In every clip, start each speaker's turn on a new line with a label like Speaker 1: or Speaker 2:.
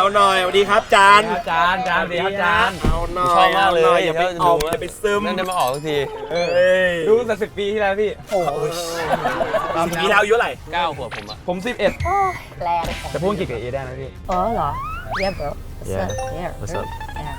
Speaker 1: หน่อยสวัสดีครับจาน
Speaker 2: จานดีครับจาน
Speaker 1: เอาหน่อย
Speaker 3: ชอบมากเลย
Speaker 1: อย่าไปออกอย่าไปซึม
Speaker 3: นั่นได้มาออกสักที
Speaker 2: ดูตั้งแต่10 ปีที่แล้วพี่โอ้ย
Speaker 1: ปีแล้วอายุเท่าไหร่
Speaker 3: 9 ขวบผมอะ
Speaker 2: ผม11
Speaker 4: แรง
Speaker 2: จะพูดอังกฤษกับเอได้ไหมพี่
Speaker 4: อ๋อเหรอ Yeah bro
Speaker 3: Yeah.
Speaker 4: Yeah
Speaker 3: What's up?
Speaker 4: Yeah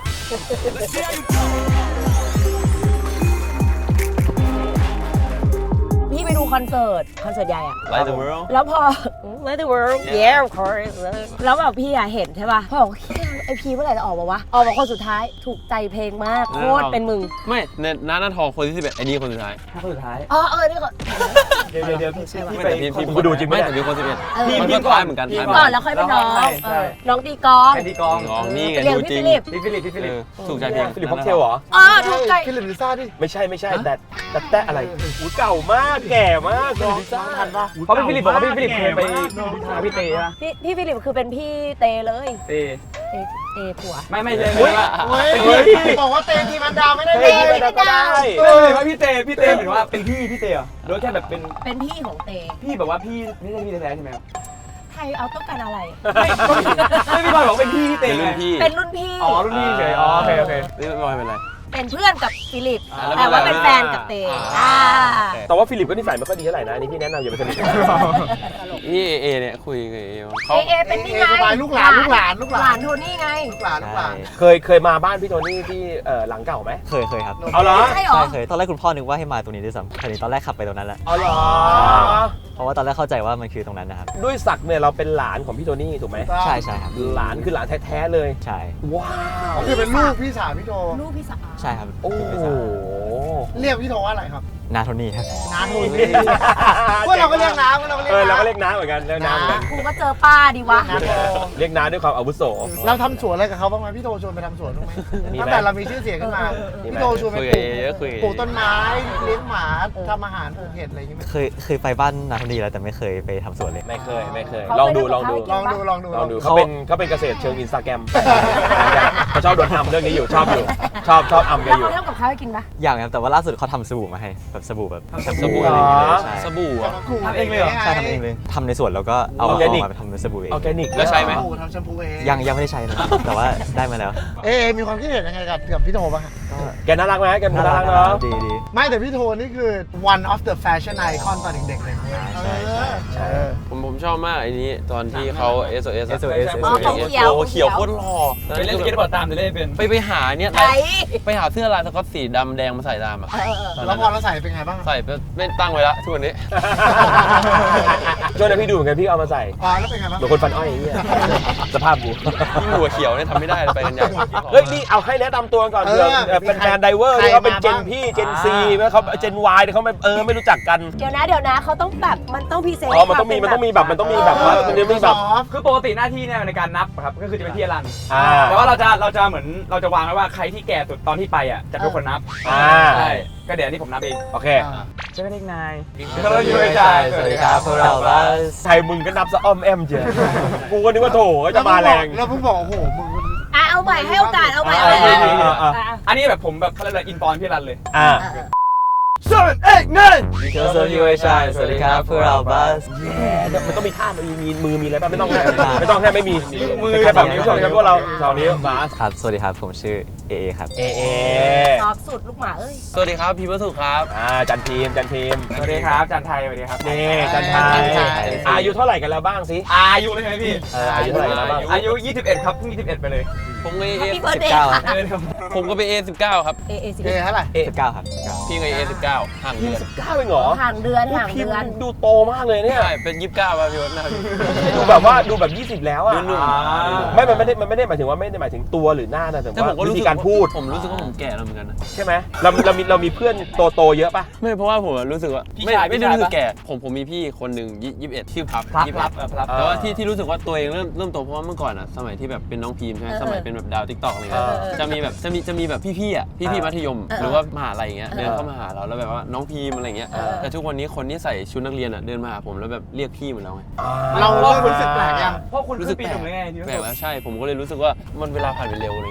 Speaker 4: พี่ไปดูคอนเสิร์ตใหญ่อะ
Speaker 3: Light the world
Speaker 4: แล้วพอ Let the world yeah of course แล้วแบบพี่อะเห็นใช่ป่ะพ่อบอกไอพีเมื่อไหร่จะออกมาวะออกมาคนสุดท้ายถูกใจเพลงมากโคตรเป็นมึง
Speaker 3: ไม่น้าทองคนที่11ไอ้นี่คนสุดท้าย
Speaker 2: คนสุดท้าย
Speaker 4: อ๋อนี่ก็
Speaker 1: เดี๋ยวพี่
Speaker 3: ไม่แต่พี่
Speaker 1: กูดูจริงไหม
Speaker 3: ไม่แต่พี่คน11
Speaker 1: พี่
Speaker 3: มันก็ท้ายเหมือนกัน
Speaker 4: พี่ก่อนแล้วค่อยเป็นน้องน้องตีกลอง
Speaker 2: แคนดี้กอง
Speaker 3: น้องนี่ไง
Speaker 4: เรียก
Speaker 3: ดู
Speaker 4: พี่
Speaker 3: จริง
Speaker 4: ฟิลิป
Speaker 2: พี่ฟิลิป
Speaker 3: ถูกใจเพลง
Speaker 1: ฟิลิปพ็อกเทลเหรอ
Speaker 4: อ๋อถูกใจ
Speaker 5: ฟิลิปลิซ่าดิ
Speaker 1: ไม่ใช่แต่อะไรหูเก่ามากแก่มากน้องทันปะ
Speaker 2: เพราะพี่ฟิลิปบอกว่าพี่ฟิลิปเคยไปหาพี่เตะ
Speaker 4: พี่ฟิลิปคือเป็นพี่เตเลย
Speaker 2: เตะ
Speaker 4: เตผัว
Speaker 2: ไม่เลย
Speaker 5: เฮ้ยบอกว่าเตนทีมันดาวไม่ได้
Speaker 1: เฮ้ยไม่ได้ก็ได้
Speaker 2: ไม่ว่าพี่เตะหรือว่าเป็นพี่เตะหรือว่าแค่แบบเป็น
Speaker 4: เป็นพี่ของเต
Speaker 2: พี่แบบว่าพี่ไม่ใช่พี่แท้ใช่ไหมครับ
Speaker 4: ไทยเอาต้องการอะไร
Speaker 2: ไม่พี่บอยบอกเป็นพี่เตะ
Speaker 3: เป็นรุ่นพี่
Speaker 4: เป็นรุ่นพี่
Speaker 2: อ๋อรุ่นพี่เฉยอ๋อโอเค
Speaker 3: นี่บอยเป็นไร
Speaker 4: เป็นเพื่อนกับฟิลิป
Speaker 3: แล้ว
Speaker 4: แต่ว่าเป็นแฟนกับเต
Speaker 3: อ่า
Speaker 1: แต่ว่าฟิลิปก็นิสัยไม่ค่อยดีเท่าไหร่นะนี่พี่แนะนำอย่าไปสนิท
Speaker 3: นี่เอเนี่ยคุยกับเอ
Speaker 4: เอเป็นนี่ไง
Speaker 5: ลูกหลาน
Speaker 4: หลานโทนี่ไง
Speaker 5: ลูกหลาน
Speaker 1: เคยมาบ้านพี่โทนี่ที่หลังเก่าไหม
Speaker 6: เคยครับ
Speaker 1: เอาเหรอ
Speaker 4: ใช่หรอ
Speaker 6: ใช่เคยตอนแรกคุณพ่อนึกว่าให้มาตรงนี้ด้วยซ้ำแต่ตอนแรกขับไปตรงนั้นแหละ
Speaker 1: เอาเหรอ
Speaker 6: เพราะว่าตอนแรกเข้าใจว่ามันคือตรงนั้นนะครับ
Speaker 1: ด้วยศักดิ์เนี่ยเราเป็นหลานของพี่โทนี่ถูกไหม
Speaker 6: ใช่ครับ
Speaker 1: หลานคือหลานแท้ๆเลย
Speaker 6: ใช่
Speaker 1: ว้าว
Speaker 5: คือเป็นลูกพี่สาวพี่โท
Speaker 4: ลูกพี่สาว
Speaker 6: ใช่ครับ
Speaker 1: โอ้โห
Speaker 5: เรียกพี่โทว่าอะไรครับ
Speaker 6: นาโทนี่ครับ
Speaker 5: น้าโทนี่พวกเราก็เรียกน้าพวกเราก็เรียก
Speaker 1: เราก็
Speaker 5: น้า
Speaker 1: เรียกน้าเหมือนกันเรียกน้าเหมือนกัน
Speaker 4: กูก็เจอป้าดิวะ
Speaker 5: น้าโท
Speaker 1: เรียกน้าด้วยความอาวุโส
Speaker 5: เราทำสวนอะไรกับเขาบ้างไหมพี่โทชวนไปทำสวนบ้างไหม
Speaker 1: มีไหม
Speaker 5: ตั้งแต่เรามีชื่อเสียงขึ้นมาพี่โทชวนไป
Speaker 3: คุย
Speaker 5: ป
Speaker 3: กับ
Speaker 5: ลู
Speaker 3: เอเยอะคุย
Speaker 5: ปลูกต้นไม้เลี้ยงหมาทำอาหารปลูกเห็ดอะไรอย่างเงี้ย
Speaker 6: เคยไปบ้านนาโทนี่แล้วแต่ไม่เคยไปทำสวนเลย
Speaker 1: ไม่เคยลองดู
Speaker 5: ลองดู
Speaker 1: เขาเป็นเกษตรเชิงอินสตาแกรมเขาชอบโดนทำเรื่องนี้อยู่ชอบอำแก
Speaker 4: แล้ว
Speaker 1: อยู่
Speaker 4: เขาทำกับข้าวให้กินปะ
Speaker 6: อย่างครับแต่ว่าล่าสุดเขาทำสบู่มาให้แบบสบู่แบบ
Speaker 3: สบู่
Speaker 1: เหรอ
Speaker 6: ใช่
Speaker 3: สบู่อ่ะ
Speaker 2: ทำเองเลยเหรอ
Speaker 6: ใช่ทำเองเลยทำในสวนแล้วก็เอา
Speaker 1: ออร์แกนิก
Speaker 6: มาทำเป็นสบู่เอง
Speaker 1: ออร์แกนิก
Speaker 3: แล้วใช้ไหม
Speaker 5: ทำแชมพูเอง
Speaker 6: ยังไม่ได้ใช้นะแต่ว่าได้มาแล้ว
Speaker 5: มีความคิดเห็นยังไงกับพี่โทบ้าง
Speaker 1: แกน่ารักไหมแกน่ารักเนาะ
Speaker 6: ดี
Speaker 5: ไม่แต่พี่โทนี่คือ one of the fashion icon ตอนเด็กๆเลยใช่
Speaker 3: ผมชอบมากไอ้นี้ตอนที่เขา SOS
Speaker 4: อ๋อของเขียว
Speaker 3: โอ้เขียวโคตรหล่อ
Speaker 2: ไปเล่นสเก็ตบอร์ดตามจะเล่นเป็น
Speaker 3: ไปหาเนี่ย
Speaker 4: ไหน
Speaker 3: ไปหาเสื้อลายสก๊อตสีดำแดงมาใส่ตามอ่ะ
Speaker 5: แล้วพอเราใส่เป็นไงบ้าง
Speaker 3: ใส่ไปไม่ตั้งไว้ละทุกวันนี้
Speaker 1: ช่วงนั้นพี่ดูเหมือนกันพี่เอามาใส่
Speaker 5: แล้วเป็นไงบ้าง
Speaker 1: เหมือนคนฟันอ้อยอย่างเงี้ยสภาพกู
Speaker 3: ยิ่งหัวเขียวเนี่ยทำไม่ได้เลยไปกันใหญ่
Speaker 1: เฮ้ยนี่เอาให้แนะนำตัวก่อนเผื่อเป็นแฟนไดเวอร์ที่เขาเป็นเจนพี่เจนซีเขาเจนวายเขาไม่รู้จักกัน
Speaker 4: เดี๋ยวนะเขาต้องแบบมันต้องพิเศษ
Speaker 1: อ๋อมันต้องมีแบบว่ามันจะมีแบบ
Speaker 2: คือปกติหน้าที่เนี่ยในการนับครับก็คือจะเป็นที่รัน
Speaker 1: อ่า
Speaker 2: แต่ว่าเราจะเหมือนเราจะวางไว้ว่าใครที่แก่สุดตอนที่ไปอ่ะจะเป็นคนนับ
Speaker 1: อ่า
Speaker 2: ใช่ก็เดี๋ยวนี้ผมนับเอง
Speaker 1: โอเค
Speaker 2: ใช่ไหมเด็กนาย
Speaker 6: สวัสดีครับพวกเราบัส
Speaker 1: ไทยมึงก็นับซะอ้อมแอมเจียกูก็นึกว่าโถจะมาแรง
Speaker 5: แล้วเพิ่งบอกโอ้โหมึง
Speaker 4: เอาใหม่ให้โอกาสเอาใหม่
Speaker 2: อันนี้แบบผมแบบเขาเรียกอะไรอินปอนพี่รันเลย
Speaker 1: อ่า
Speaker 2: 7 8 9
Speaker 6: เจอโซยูเอชายสวัสดีครับพวกเราบัส
Speaker 1: มันต้องมีท่ามันมีมือมีอะไรป่ะไม่ต้องแค่ไม่มีมือแค่แบบนิ้วสองนิ้วพวกเราสองนิ้วบาส
Speaker 6: ครับสวัสดีครับผมชื่อเอครับ
Speaker 1: เอ
Speaker 4: ชอบสุดลูกหมาเอ้ย
Speaker 3: สวัสดีครับพี่วัสุครับ
Speaker 1: จันทีม
Speaker 2: สวัสดีครับจันไทยสวัสดีครับ
Speaker 1: นี่จันทายอายุเท่าไหร่กันแล้วบ้างสิ
Speaker 2: อายุเลยใช่ไหมพี่
Speaker 1: อายุเท่าไหร่กันแล้วบ้าง
Speaker 2: อายุ21ครับเพิ่ง21ไปเลย
Speaker 3: ผมก็
Speaker 4: Happy
Speaker 3: เอ
Speaker 4: birthday ค่ะ
Speaker 3: ผมก็ไปA19 ครับ
Speaker 4: เอสิ
Speaker 5: เท่าไหร่
Speaker 6: 19ครับ
Speaker 3: พี่ก็A19 ห่างเดือน
Speaker 1: 19เองเหรอ
Speaker 4: ห่างเดือนห่าง
Speaker 1: พี่
Speaker 4: เดือน
Speaker 1: ดูโตมากเลยเนี่ย
Speaker 3: ใช่เป็น29ป่ะพี่วัดนะ
Speaker 1: ดูแบบว่าดูแบบ20แล้วอ่ะ
Speaker 3: นุ่ม
Speaker 1: ไม่มันไม่ได้หมายถึงว่าไม่ได้หมายถึงตัวหรือหน้านะแต่
Speaker 3: แต่ผมก็
Speaker 1: ว่าวิ
Speaker 3: รู้สึ
Speaker 1: ธี
Speaker 3: ก
Speaker 1: การพูด
Speaker 3: ผมรู้สึกว่าผมแก่แล้วเหมือนกันนะ
Speaker 1: ใช่ไหมเรามีเพื่อนโตเยอะป่ะ
Speaker 3: ไม่เพราะว่าผมรู้สึกว่าไม่ได้รู้สึกแก่ผมมีพี่คนหนึ่ง21ชื่อพับ
Speaker 2: พลับ
Speaker 3: แต่ว่าที่รู้สึกว่าตัวเองเริ่มโตเพราะว่าเมื่อก่อนอ่ะสมัยที่แบบเป็นน้องพีมใช่ไหมสมัยเป็นแบบดาวทิกตอกอะไรเงี้ยจะมีแบบพี่อ่ะพี่มัธยมหรือว่ามหาลัยอย่างเงี้ยเดินเข้ามาหาเราแล้วแบบว่าน้องพีมอะไรเงี้ยแต่ทุกวันนี้คนที่ใส่ชุดนักเรียนอ่ะเดินมาหาผมแล้วแบบเรียกพี่เหมือนเราไง
Speaker 5: เราเริ่มรู้สึกแปลกยัง
Speaker 2: เพราะคุณรู้สึกปีหนึ่งเลยไง
Speaker 3: แปลกแล้วใช่ผมก็เลยรู้สึกว่ามันเวลาผ่านไปเร็วอะไรเงี้ย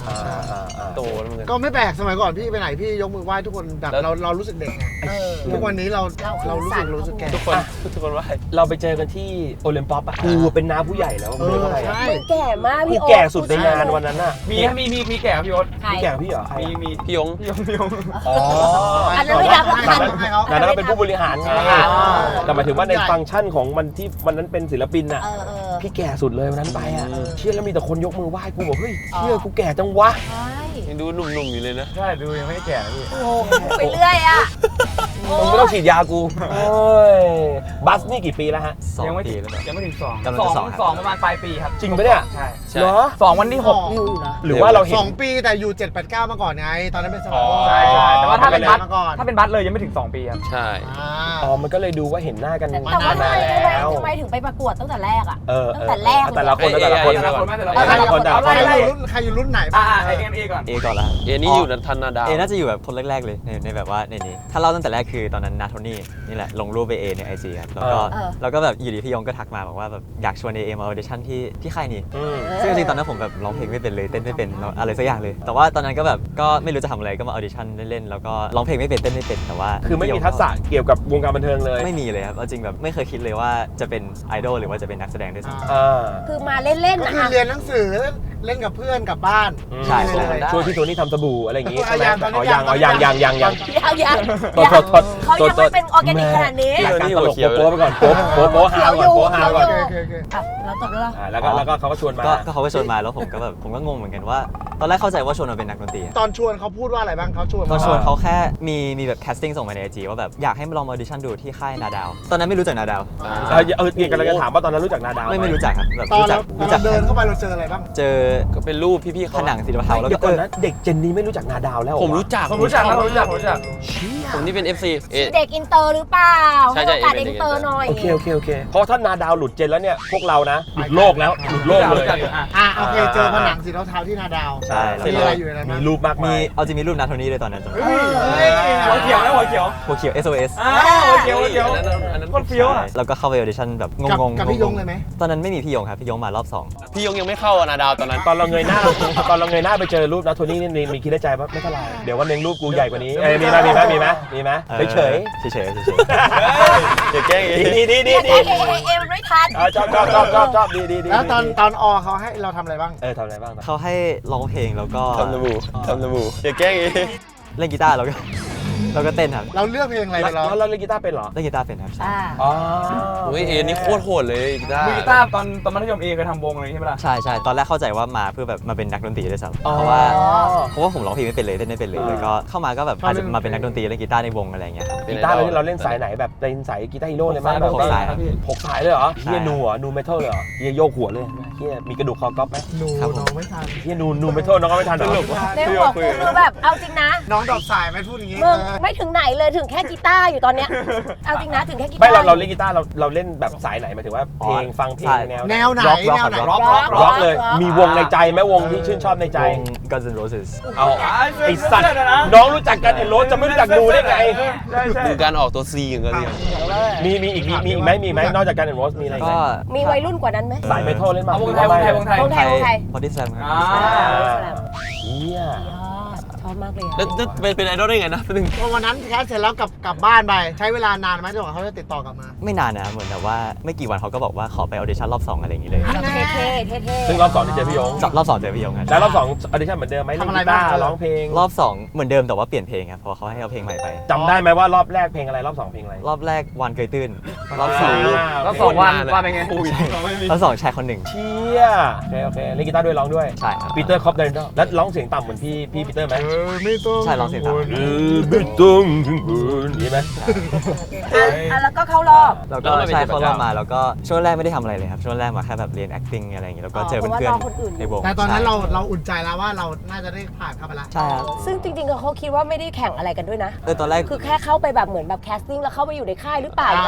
Speaker 3: โตแล้วมึง
Speaker 5: ก็ไม่แปลกสมัยก่อนพี่ไปไหนพี่ยกมือไหว้ทุกคนแบบ
Speaker 3: แล้ว
Speaker 5: เรารู้สึกเด็กไงทุกวันนี้เรารู้สึกแก่
Speaker 3: ทุกคนว่า
Speaker 1: เราไปเจอกันที่โอลิมปัสอะกูเป็นน้าผู้ใหญ่แล้ว
Speaker 5: เอ
Speaker 1: มึง
Speaker 5: อ
Speaker 1: เป็นอะไร
Speaker 5: ใช่
Speaker 1: อะ
Speaker 4: แก่มาก
Speaker 1: กู
Speaker 4: พี่โอ๊ต
Speaker 1: แก่สุดในงานวันนั้นน่ะ
Speaker 2: มีแก่พี่โอ๊ต
Speaker 4: ใคร
Speaker 1: พี่แก่กว่าพี่เหรอใคร
Speaker 2: มี
Speaker 3: พี่ยง
Speaker 2: พี่ยง
Speaker 1: อ๋อ
Speaker 4: อันนั้นไม่นับหรอก
Speaker 1: แต่
Speaker 5: ให้เขา
Speaker 1: นั้นก็เป็นผู้บริหารไง
Speaker 5: อ่า
Speaker 1: แต่หมายถึงว่าในฟังก์ชันของมันที่วันนั้นเป็นศิลปินน่ะ
Speaker 4: เออ
Speaker 1: พี่แก่สุดเลยวันนั้นไปอ่ะ เชี่ยแล้วมีแต่คนยกมือไหว้กูบอกเฮ้ย
Speaker 4: อ๋อ
Speaker 1: เชี่ยกูแก่จังวะ
Speaker 4: ใช่
Speaker 3: ยังดูหนุ่มๆอยู่เลยนะ
Speaker 2: ใช่ดูยังไม่แก่นะพี่
Speaker 4: โอ้ไปเรื่อยอ่ะ
Speaker 1: มึงไม่ต้องฉีดยากูเอ้ยบัสนี่กี่ปีแล้วฮะ
Speaker 2: ยังไม่
Speaker 6: 2 ปี
Speaker 2: ถึง
Speaker 6: แล้วแบบ
Speaker 2: ยังไม่ถึง2
Speaker 6: กำลังจะสองครับ
Speaker 2: สองประมาณปลายปีครับ
Speaker 1: จริงปะเนี่ย
Speaker 2: ใช่
Speaker 3: ใช่
Speaker 1: เหรอ
Speaker 2: 2วันที่
Speaker 5: อ๋อ
Speaker 4: เร็วอยู่นะ
Speaker 1: หรือว่าเราเห็น
Speaker 5: 2 ปีแต่อยู่ 7-8-9 มาก่อนไง ตอนนั้นเป็นสมัย
Speaker 2: 6ใช่ใช่แต่ว่าถ้าเป็นบัส
Speaker 5: มาก่อน
Speaker 2: ถ้าเป็นบัสเลยยังไม่ถึง2ปีครับ
Speaker 3: ใช่
Speaker 1: อ๋อ มันก็เลยดูว่าเห็นหน้ากัน
Speaker 4: แต่
Speaker 1: มา
Speaker 4: ว่าทำ
Speaker 1: นา
Speaker 4: ไม
Speaker 1: นแล้ว
Speaker 4: ทำไมถึงไปประกวดตั้งแต่แรกอ่ะ
Speaker 1: เออ
Speaker 4: ตั้งแต่แรกเลย
Speaker 1: แต่ละคนแต่ละคน
Speaker 2: แต่ละคนไม่แต่ละ
Speaker 1: แต่ละคนแต่ละคน
Speaker 5: ใครอยู่รุ่นไหน
Speaker 2: อ่า
Speaker 5: บ้าง
Speaker 2: ไอเอ็มเอก่อน
Speaker 6: เอก่อนละ
Speaker 3: เอนี่อยู่ทันนาดาว
Speaker 6: เอน่าจะอยู่แบบคนแรกๆเลยในแบบว่าในนี้ถ้าเล่าตั้งแต่แรกคือตอนนั้นนาโทนี่นี่แหละลงรูปไปเอใน IG ครับแล้วก็แบบอยู่ดีพี่ยงก็ทักมาบอกว่าแบบอยากชวนเอมาออเดชั่นที่ค่ายนี้
Speaker 1: อืม
Speaker 6: ซึ่งจริงๆตอนนั้นผมแบบร้องเพลงไม่เป็นเลยเต้นไม่เป็นอะไรสักอย่างเลย แต่ว่าตอนนั้นก็แบบก็ไม่รู้จะทำอะไรก็มาออเดชั่นเล่นๆแล้วก็ร้องเพลงไม่เป็นเต้นไม่เป็นแต่ว่า
Speaker 1: คือไม่มีทักษะเกี่ยวกับวงการบันเทิงเลย
Speaker 6: ไม่มีเลยครับเอาจริงแบบไม่เคยคิดเลยว่าจะเป็นไอดอลหรือว่าจะเป็นนักแสดงด้วยซ้ำ
Speaker 1: อ่า
Speaker 4: คือมาเล่นๆ
Speaker 5: ก็
Speaker 4: นะ
Speaker 5: คือเรียนหนังสือเล่นกับเพื่อนกับบ้าน
Speaker 6: ใช่
Speaker 5: เลย
Speaker 1: ช่วยพี่โทนี่ทำสบู่อะไรอย่างงี้ใช่ไหม
Speaker 5: ตอนนี้
Speaker 1: อ๋อยัง
Speaker 5: ตอนนี้
Speaker 1: ยัง
Speaker 4: ยัง
Speaker 1: โทษ
Speaker 4: เขายัง
Speaker 1: โทษ
Speaker 4: ไม่เป็นออร์แกนิกขนาดนี้
Speaker 1: รายการตลกโป๊ะไปก่อนโป๊ะฮาวก่อนโป๊ะฮาวก่อน
Speaker 5: โอเค
Speaker 4: อ่ะแล้วจบแล้วเหรอ
Speaker 1: แล้วก็เขาก็ชวนมา
Speaker 6: ก็เขาก็ชวนมาแล้วผมก็แบบผมก็งงเหมือนกันว่า ตอนแรกเข้าใจว่าชวนมาเป็นนักดนตรี
Speaker 5: ตอนชวนเขาพูดว่าอะไรบ้างเขาชวน
Speaker 6: ตอนชวนเขาแค่มีแบบแคสติ้งส่งมาใน IG ว่าแบบอยากให้มาลองมาออดิชั่นดูที่ค่ายนาดาว ตอนนั้นไม่รู้จักนาดาว
Speaker 1: เกี่ยวกับเราจะถามว่าตอนนั้นรู้จักนาดาวห
Speaker 6: ไม่รู้จักครับแบบ
Speaker 5: ตอน
Speaker 6: รู้จัก
Speaker 5: เราเดินเข้าไปเราเจออะไรบ้าง
Speaker 6: เจอ
Speaker 3: ก็เป็นรูปพี่ๆ
Speaker 6: ผ
Speaker 3: เขา
Speaker 6: นังสีเทาๆแล้ว
Speaker 1: เดี๋ยว
Speaker 6: ก็
Speaker 1: ก่อนนะเด็กเจนนี้ไม่รู้จักนาดาวแล้ว
Speaker 3: ผมรู้จัก
Speaker 2: ผมรู้จักครับผมรู้จัก
Speaker 3: ผมนี่เป็น FC
Speaker 4: เด็กอินเตอร์หรือเปล่า
Speaker 3: ใช่
Speaker 4: ให้
Speaker 3: ใช่
Speaker 4: โอกาสเด็กอินเตอร์หน่อย
Speaker 1: โอเคเพราะถ้านาดาวหลุดเจนแล้วเนี่ยพวกเรานะหลุดโลกแล้วหลุดโลกเลย
Speaker 5: โอเคเจอผนังสีเทาๆที่นาดาว
Speaker 6: ใช่
Speaker 5: มีอะไรอยู่ในนั้น
Speaker 1: มีรูปมาก
Speaker 6: มี
Speaker 1: มาย
Speaker 6: เอาจริงมีรูปนาโทนี่ด้วยตอนนั้นจำได้
Speaker 2: หัวเขียวนะหัวเขียว
Speaker 6: หัวเขียว SOS
Speaker 2: หัวเขียวหัวเขียว
Speaker 3: อันนั้น
Speaker 2: โคตรเฟี้ยวอ่ะ
Speaker 6: แล้วก็เข้าไปออดิชั่นแบบงงๆ
Speaker 5: กับพี่ยงเลยไหม
Speaker 6: ตอนนั้นไม่มีพี่ยงครับพี่ยงมารอบ2
Speaker 3: พี่ยงยังไม่เข้านาดาวตอนนั้น
Speaker 1: ตอนเราเงยหน้าไปเจอรูปนะโทนี่นี่มีคิดในใจว่าไม่เท่าไหร่เดี๋ยววันหนึงรูปกูใหญ่กว่านี้มีไหมเฉย
Speaker 6: เฉย
Speaker 3: เดี๋ยวแกล้ง
Speaker 1: ดี
Speaker 4: เอมันไม่ทัน
Speaker 1: ชอบดี
Speaker 5: แล้วตอนอเขาให้เราทำอะไรบ้าง
Speaker 1: ทำอะไรบ้าง
Speaker 6: เขาให้ร้องเพลงแล้วก็
Speaker 3: ทำสบู่เดี๋ยวแกล้ง
Speaker 6: เล่นกีตาร์แล้วก็เต้นครับ
Speaker 5: เราเลือกเพลงอะไรไปร้อง
Speaker 1: แล้วเราเล่นกีตาร์เป็นเหรอ
Speaker 6: เล่นกีตาร์เป็นครับ
Speaker 4: อ่า
Speaker 1: อ๋อ
Speaker 3: โอ้ยเอนี่โคตรโหดเลยกีตาร์
Speaker 2: มือกีตาร์ตอนมัธยมเอเคยทำวงเลยใช่ไหมล่ะ
Speaker 6: ใช่ตอนแรกเข้าใจว่ามาเพื่อแบบมาเป็นนักดนตรีด้วยซ้ำ
Speaker 1: อ๋อ
Speaker 6: เพราะว่าผมร้องเพลงไม่เป็นเลยเต้นไม่เป็นเลยแล้วก็เข้ามาก็แบบอาจจะมาเป็นนักดนตรีเล่นกีตาร์ในวงอะไรอย่างเงี้ยครับ
Speaker 1: กีตาร์เราเล่นสายไหนแบบเป็นสายกีตาร์ฮีโร่เลยไหม
Speaker 6: หกสายครับ
Speaker 1: 6 สายเลยเหรอ
Speaker 6: ใช่
Speaker 1: เฮียนูเหรอนูเมทัลเลยเหรอเฮียโยกหัวเลยเฮียมีกระดูกคอก๊อปไหม
Speaker 5: หนู
Speaker 6: ครับผม
Speaker 5: น้องไม่ทัน
Speaker 1: เฮียนูเมทัลน้องก็ไม่ทันเหรอ
Speaker 4: ในหัวกูคือแบบเอาจริงนะ
Speaker 5: น้องดอกสายไม่พูดอย่างนี้
Speaker 4: มึงไม่ถึงไหนเลยถึงแค่กีตาร์อยู่ตอนเนี้ยเอาจริงนะถึงแค่กีตาร์
Speaker 1: ไม่เราเล่นกีตาร์เราเล่นแบบสายไหนหมายถึงว่าเพลงฟังเพลงแนว
Speaker 5: แนวไหน
Speaker 6: ร็อก
Speaker 5: แนวไหน
Speaker 6: ร็อก
Speaker 1: ร็อกเลยมีวงในใจไหมวงที่ชื่นชอบในใจ
Speaker 6: วง Guns N' Roses
Speaker 1: เอาไอสัตว์น้องรู้จักกันเห็นโรสจะไม่รู้จักนูได้ไง
Speaker 2: ใช่
Speaker 3: ดูการออกตัว C อย่างเงี้ย
Speaker 1: มีอีกไหมนอกจากกันเห็นโรสมีอะไรอีก
Speaker 6: ก็
Speaker 1: ไหม
Speaker 4: มีวัยรุ่นกว่านั้นไหม
Speaker 1: สายเมทัลเล่นมา
Speaker 2: เอาวงไทยวงไทยวงไทย
Speaker 4: วงไทย
Speaker 6: พอดิสแลมครับ
Speaker 2: อ่า
Speaker 1: เฮีย
Speaker 4: ชอบมากเลย
Speaker 3: แล้วเป็นไอดอลได้ไงนะนึง
Speaker 5: วันนั้นแคสเสร็จแล้วกลับบ้านไปใช้เวลานานไหมจนกว่าเขาจะติดต่อกลับมา
Speaker 6: ไม่นานนะเหมือนแบบว่าไม่กี่วันเขาก็บอกว่าขอไปออดิชั่นรอบ2อะไรอย่างงี้เลย
Speaker 4: เท่
Speaker 1: ซึ่งรอบ2ที่เจอพี่ยง
Speaker 6: รอบ2เจอพี่ยงครับ
Speaker 1: แล้วรอบ2ออดิชั่นเหมือนเดิมไหมเล่นกีตาร์ร้องเพลง
Speaker 6: รอบ2เหมือนเดิมแต่ว่าเปลี่ยนเพลงครับเพราะเขาให้เอาเพลงใหม่ไป
Speaker 1: จำได้ไหมว่ารอบแรกเพลงอะไรรอบ2เพลงอะไร
Speaker 6: รอบแรกวันเกยตื้นรอบ
Speaker 2: แล้ว2 วันเป็นไง
Speaker 6: 2รอบ2ชายคนหนึ่ง
Speaker 1: เชี่ยโอเคเล่นกีตาร์ด้วยร้องด้วย
Speaker 6: ใช่ครับ
Speaker 1: ปีเตอร์คอปเดนเดอร์แล้วร้องเสียงต่ำเหมือนพี่ปีเตอร์ไหม
Speaker 5: ไม่ต้อง
Speaker 6: ใช่ร้องเสียงต่ำ
Speaker 1: ไม่ต้องถึงคืนนี่ไหม
Speaker 4: แล้วก็เข้ารอบ
Speaker 6: แล้วก็ใช่เขารอบมาแล้วก็ช่วงแรกไม่ได้ทำอะไรเลยครับช่วงแรกมาแค่แบบเรียน acting อะไรอย่างงี้แล้วก็เจอเพื่อนๆในวง
Speaker 5: แต่ตอนนั้นเราอุ่นใจแล้วว่าเราน่าจะได้ผ่านเข้าไปแล้ว
Speaker 6: ใช่ครับ
Speaker 4: ซึ่งจริงๆเขาคิดว่าไม่ได้แข่งอะไรกันด้วยนะ
Speaker 6: ตอนแรก
Speaker 4: คือแค่เข้าไปแบบเหมือนแบบแคสติ้งแล้วเข้าไปอยู่ในค่ายหรือเปล่าอะไรหรือเปล่า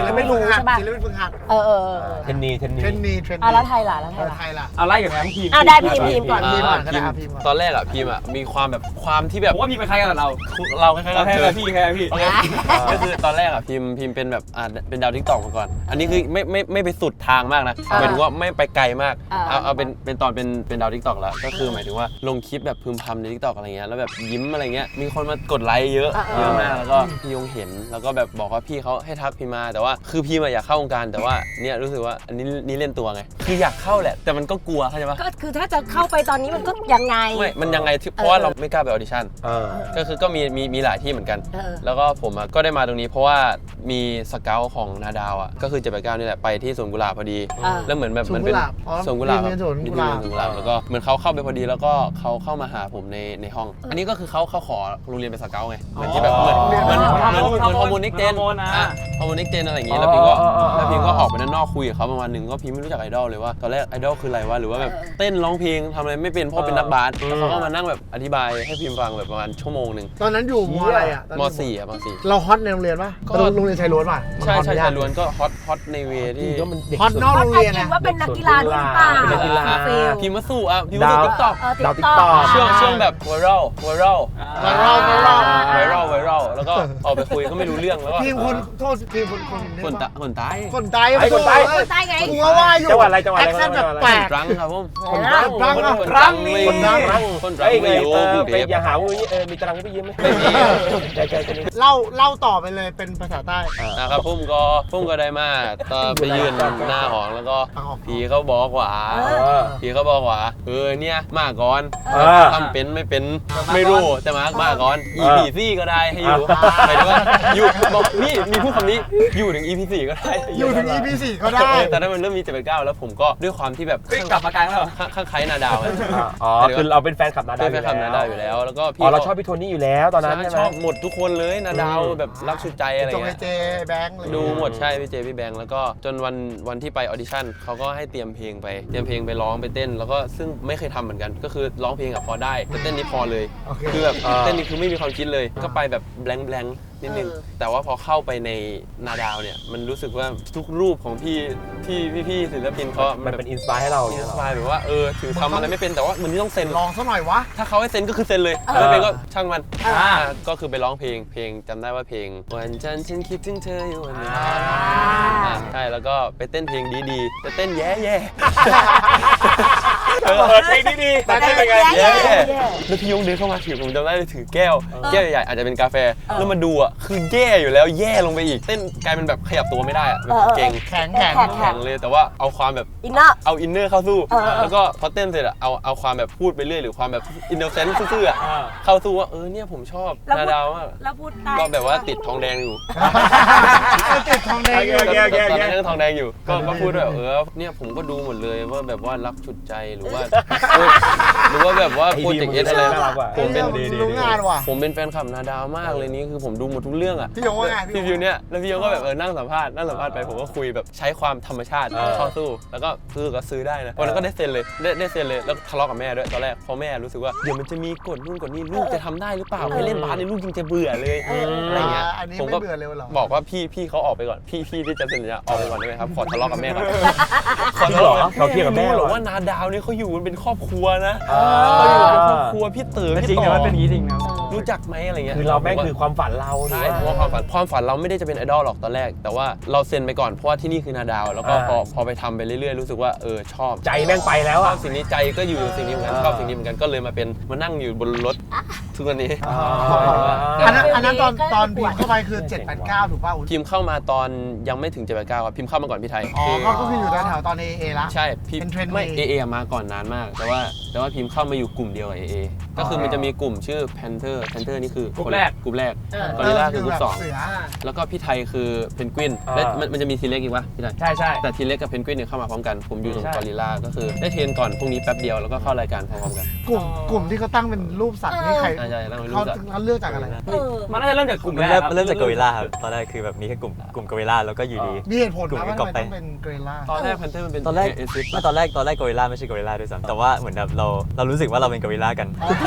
Speaker 4: ไม่รู้ใช่ป่ะ
Speaker 5: ศิลปินฝึกหัด
Speaker 4: เออ
Speaker 1: เทนนี
Speaker 5: เทรนนี
Speaker 4: แล้วไทยล่ะแล้วไทยล่ะ
Speaker 5: ไทยล่ะ
Speaker 2: เอาไล่กับแม่พีม
Speaker 4: ได้พีมก่อน
Speaker 5: พีมก่อนก็ได้พีมก่อน
Speaker 3: ตอนแรกอะพีมอะมีความแบบความที่แบบ
Speaker 2: ผมว่าพีมเป็นใครกันกับเรา
Speaker 3: เราคล้ายๆ
Speaker 2: เรา
Speaker 3: กับ
Speaker 2: แค่
Speaker 3: เธอ
Speaker 2: พี่แค่พี่
Speaker 3: ก็คือตอนแรกอะพิมเป็นแบบเป็นดาวทิกตอกมาก่อน อันนี้คือไม่ไปสุดทางมากนะหมายถึงว่าไม่ไปไกลมากเอาเป็นตอนเป็นดาวทิกตอกแล้วก็คือหมายถึงว่าลงคลิปแบบพึมพำในทิกตอกอะไรเงี้ยแล้วแบบยิ้มอะไรเงี้ยมีคนมากดไลค์เยอะมากแล้วก็พี่ยงเห็นแล้วก็แบบบอกว่าพี่เขาให้ทักพิมมาแต่ว่าคือพิมอยากเข้าวงการแต่ว่าเนี่ยรู้สึกว่าอันนี้เล่นตัวไงคืออยากเข้าแหละแต่มันก็กลัวเข้าใจปะ
Speaker 4: ก็คือถ้าจะเข้าไปตอนนี้มันก็ยังไง
Speaker 3: ไม่มันยังไงเพราะว่าเราไม่กล้าไปออดิชั่น ก็คือก็มีหลายที่เหมือนกัน แล้วก็ผมก็ได้มาตรงนี้เพราะว่ามีสเกลของนาดาวอ่ะก็คือ789นี่แหละไปที่สวนกุหลาบพอดี แล้วเหมือนแบบมันเป็นสวนกุหลาบมีที่สวนกุหลาบแล้วก็เหมือนเขาเข้าไปพอดีแล้วก็เขาเข้ามาหาผมในห้อง อันนี้ก็คือเขาขอโรงเรียนเป็นสเกลไงเหมือนที่แบบเหมือนฮอร์โมนิกเจนฮอร์โมนิกเจนอะไรอย่างงี้แล้วพิมก็ออกไปด้านนอกคุยกับเขาประมาณนึงก็พิมไม่รู้จักไอดอลเลยว่าตอนแรกไอดอลคืออะไรวะหรือว่าแบบเต้นร้องเพลงทำอะไรไม่เป็นเพราะเป็นนักบาสแล้วเขาก็มานั่งแบบอธิบายให้พิมฟังแบบประมาณชั่วโมงนึง
Speaker 5: ตอนนั้นอยู่มอะไรอ่ะ
Speaker 3: ม.4 อ่ะม.4
Speaker 5: เราฮอตในโรงเรียนป่ะโรงเรียนชายล้วนป่ะ
Speaker 3: ใช่ชายล้วนก็ฮอตในเวที่
Speaker 5: ฮอตนอกโรงเรียน
Speaker 4: คิ
Speaker 5: นะ
Speaker 4: ดว่าเป็นนักกีฬาด้วยหรือเปล่า
Speaker 1: เป็นนักกีฬา
Speaker 3: พิมพ์มาสู่อ่ะพิมพ์มาสู่ติ๊กต็อก
Speaker 1: ดาว TikTok
Speaker 3: ช่วงแบบไวรัลแล้วก็ออกไปคุยก็ไม่รู้เรื่องแล้วก็
Speaker 5: ทีมคนโทษทีมคน
Speaker 3: คนตาย
Speaker 5: คนตาย
Speaker 4: คนใต้ไง
Speaker 5: กูว่าอยู่
Speaker 1: จังหวัดอะไร
Speaker 5: แอคเซนต์แบบแปลก
Speaker 3: รังครับผม
Speaker 5: คนรัง
Speaker 3: คนรังไม่อยู่กรุง
Speaker 1: ไป
Speaker 3: เทพ
Speaker 1: อย่าหาว่ามีตารางให้ไปยืมไหม
Speaker 3: ไม่มี
Speaker 1: ใจจะนี่
Speaker 5: เล่าต่อไปเลยเป็นภาษาใต้
Speaker 3: นะครับพุ่มก็ได้มาตอนไปยืนหน้าหอแล้วก็ผีเขาบอกว่าเนี่ยมาก่อนทำเป็นไม่เป็นไม่รู้แต่มาก่อน EP 4ก็ได้ให้อยู่หมายถึงว่าอยู่บอกนี่มีพูดคำนี้อยู่ถึง EP 4ก็ได้
Speaker 5: อยู่ถึง EP 4ก็ได้
Speaker 3: แต่ถ้ามันเริ่มมี789แล้วผมก็ด้วยความที่แบบ
Speaker 2: กลับมากลางแล้ว
Speaker 3: ข้างใครนาดาว
Speaker 1: คือเราเป็นแฟนคลับนาดาว
Speaker 3: เป็นแฟนคลับนาดาวอยู่แล้วแล้วก็พี่
Speaker 1: เราชอบพี่โทนี่อยู่แล้วตอนนั้นใช่ไหม
Speaker 3: ชอบหมดทุกคนเลยนาดาวแบบรักสุดใจอะไร
Speaker 5: จงไอ
Speaker 3: เงี้ย
Speaker 5: เจแบงค์เลย
Speaker 3: ดูหมดใช่พี่เจพี่แบงค์แล้วก็จนวันที่ไปออดิชั่นเขาก็ให้เตรียมเพลงไปร้องไปเต้นแล้วก็ซึ่งไม่เคยทำเหมือนกันก็คือร้องเพลงอะพอได้แต่เต้นนี่พอเลยคือแบบเต้นนี่คือไม่มีความคิดเลยก็ไปแบบแบงค์นิดนึงแต่ว่าพอเข้าไปในนาดาวเนี่ยมันรู้สึกว่าทุกรูปของพี่ศิลปินเขา
Speaker 1: มันเป็นอินสปายให้เรา
Speaker 3: อินสปายแบบว่าถึงทำอะไรไม่เป็นแต่ว่ามันต้องเซ็น
Speaker 5: ลองซะหน่อยวะ
Speaker 3: ถ้าเขาให้เซ็นก็คือเซ็นเลยไม่เป็นก็ช่างมันก็คือไปร้องเพลงจำได้ว่าเพลงวันจันทร์ฉันคิดถึงเธออยู่วันนี้ใช่แล้วก็ไปเต้นเพลงดีๆแต่เต้นแย่
Speaker 1: เพลงดีแต่เต้นเป็นไง
Speaker 3: แล้วพี่ยงเดินเข้ามาถือผมจำได้เลยถือแก้วใหญ่ๆอาจจะเป็นกาแฟแล้วมาดูอ่ะคือแย่อยู่แล้วแย่ลงไปอีกเต้นกลายเป็นแบบขยับตัวไม่ได้อ่ะแบบเก่ง
Speaker 5: แข็ง
Speaker 3: แข็งเลยแต่ว่าเอาความแบบ
Speaker 4: อินเนอร์
Speaker 3: เอาอินเนอร์เข้าสู้ แล้วก็พอเต้นเสร็จอะเอาความแบบพูดไปเรื่อยหรือความแบบอินโนเซนต์ซื่อๆอะเข้าสู้ว่าเนี่ยผมชอบนาดาวมาก
Speaker 4: แล้วพูดได้
Speaker 3: ก็แบบว่าติดทองแดงอยู่
Speaker 5: ติดทองแดง
Speaker 3: ตอนนั้นยังทองแดงอยู่ก็พูดแบบเนี่ยผมก็ดูหมดเลยว่าแบบว่ารักชุดใจหรือว่าแบบว่าโปรเจกต์เอสอะไรผมเป็น
Speaker 5: รู้งานว่ะ
Speaker 3: ผมเป็นแฟนคลับนาดาวมากเลยนี่คือผมดูหมดทุกเรื่องอะ
Speaker 5: พี่ยงว่าไง
Speaker 3: พี่วิวเนี่ยแล้วพี่ยงก็แบบนั่งสัมภาษณ์ไปผมก็คุยแบบใช้ความธรรมชาติเข้าสู้แล้วก็ซื้อได้นะวันนั้นก็ได้เซ็นเลยได้เซ็นเลยแล้วทะเลาะกับแม่ด้วยตอนแรกเพราะแม่รู้สึกว่าเดี๋ยวมันจะมีกฎนู่นกฎนี่ลูกจะทำได้หรือเปล่าไปเล่นบาสในลูกยังจะเบื่อเลยอะไรเงี้ย
Speaker 5: อันนี้
Speaker 3: ผม
Speaker 5: ไม่
Speaker 3: ก็
Speaker 5: เบื่อเลยเหรอ
Speaker 3: บอกว่าพี่เขาออกไปก่อนพี่ที่จะเซ็นสัญญาออกไปก่อนได้ไหมครับขอทะเลาะกับแม่ก่อน
Speaker 1: จริงเหรอเขาเทียบกับแม่
Speaker 3: ห
Speaker 1: เห
Speaker 3: ร
Speaker 1: ร
Speaker 3: อ
Speaker 1: อ
Speaker 3: ว่านาดาวเนี่ยเขาอยู่กันเป็นครอบครัวนะเขาอยู่เป็นครอบครัวพี่เต๋อ
Speaker 2: จ
Speaker 3: พี่
Speaker 2: ริง
Speaker 3: ต่
Speaker 2: นะ
Speaker 3: อ
Speaker 2: มันเป็นอย่างนี้จริงนะ
Speaker 3: รู้จักไหมอะไรเงี้ย
Speaker 1: คือเราแม่งคือความฝันเราหรือ
Speaker 3: ใช่
Speaker 1: ว่า
Speaker 3: เพราะว่าความฝันเราไม่ได้จะเป็นไอดอลหรอกตอนแรกแต่ว่าเราเซ็นไปก่อนเพราะว่าที่นี่คือนาดาวแล้วก็พอไปทำไปเรื่อยๆรู้สึกว่าชอบ
Speaker 1: ใจแม่งไปแล้ว
Speaker 3: ชอ
Speaker 1: อ่ะ
Speaker 3: บสิ่งนี้ใจก็อยู่สิ่งนี้เหมือนกันชอบสิ่งนี้เหมือนกันก็เลยมานั่งอยู่บนรถทุกวันนี้
Speaker 5: อันนั้นตอนพิมพ์เข้าไปคือ789ถูกป่ะอุ๊ย
Speaker 3: พิมพ์เข้ามาตอนยังไม่ถึง789ครับพิมพ์เข้ามาก่อนพี่ไทย
Speaker 5: ก็คืออยู่แถวๆตอน AA ละ
Speaker 3: ใช่พิม
Speaker 5: เป็นเทรนด์
Speaker 3: ไม่ AA มาก่อนนานมากแต่ว่าพิมพ์เข้ามาอยู่กลุ่มเดียวกับ AA ก็คือมันจะมีกลุ่มชื่อ Panther นี่คือก
Speaker 2: ลุ่มแรก
Speaker 3: กอริลลาคือกลุ่มสอง
Speaker 5: เสือ
Speaker 3: แล้วก็พี่ไทยคือเพนกวินและมันจะมีทีเล็กอีกวะพี่ไทย
Speaker 2: ใช่
Speaker 3: แต่ทีเล็กกับเพนกวินเนี่ยเข้ามาพร้อมกันผมอยู่ตรง
Speaker 2: ใช่
Speaker 3: กอริลลาก็คือได้เทรนก่อนพรุ่งนี้แป๊บเดียวแล้วก็เข้ารายการพร้อมๆกัน
Speaker 5: กลุ่มที่เขาตั้งเป็นรูปสัตว์นี่ใคร
Speaker 3: ใช่ๆแล้วไม่รู้
Speaker 5: เขา
Speaker 3: จัก
Speaker 5: เลือกจากอะไร
Speaker 2: มันน่าจะเริ่มจากกลุ่มแรก
Speaker 6: เริ่มจากกอริลลาครับตอนแรกคือแบบมีแค่กลุ่มกอริลลาแล้วก็อยู่ดี
Speaker 5: มีเหตุผล
Speaker 6: กลุ่ม
Speaker 5: นะว่า
Speaker 6: ก็
Speaker 5: ทำไม
Speaker 6: ไป
Speaker 5: ต้องเป็นเกรล่า
Speaker 3: ตอนแรกแพนเทอร์มันเป็น
Speaker 6: ตอนแรก
Speaker 3: เอซิส
Speaker 6: ตอนแรกกอริลลาไม่ใช่กอริลลาด้วยซ้ำแต่ว่าเหมือนแบบเรารู้สึกว่าเราเป็นกอริลลากัน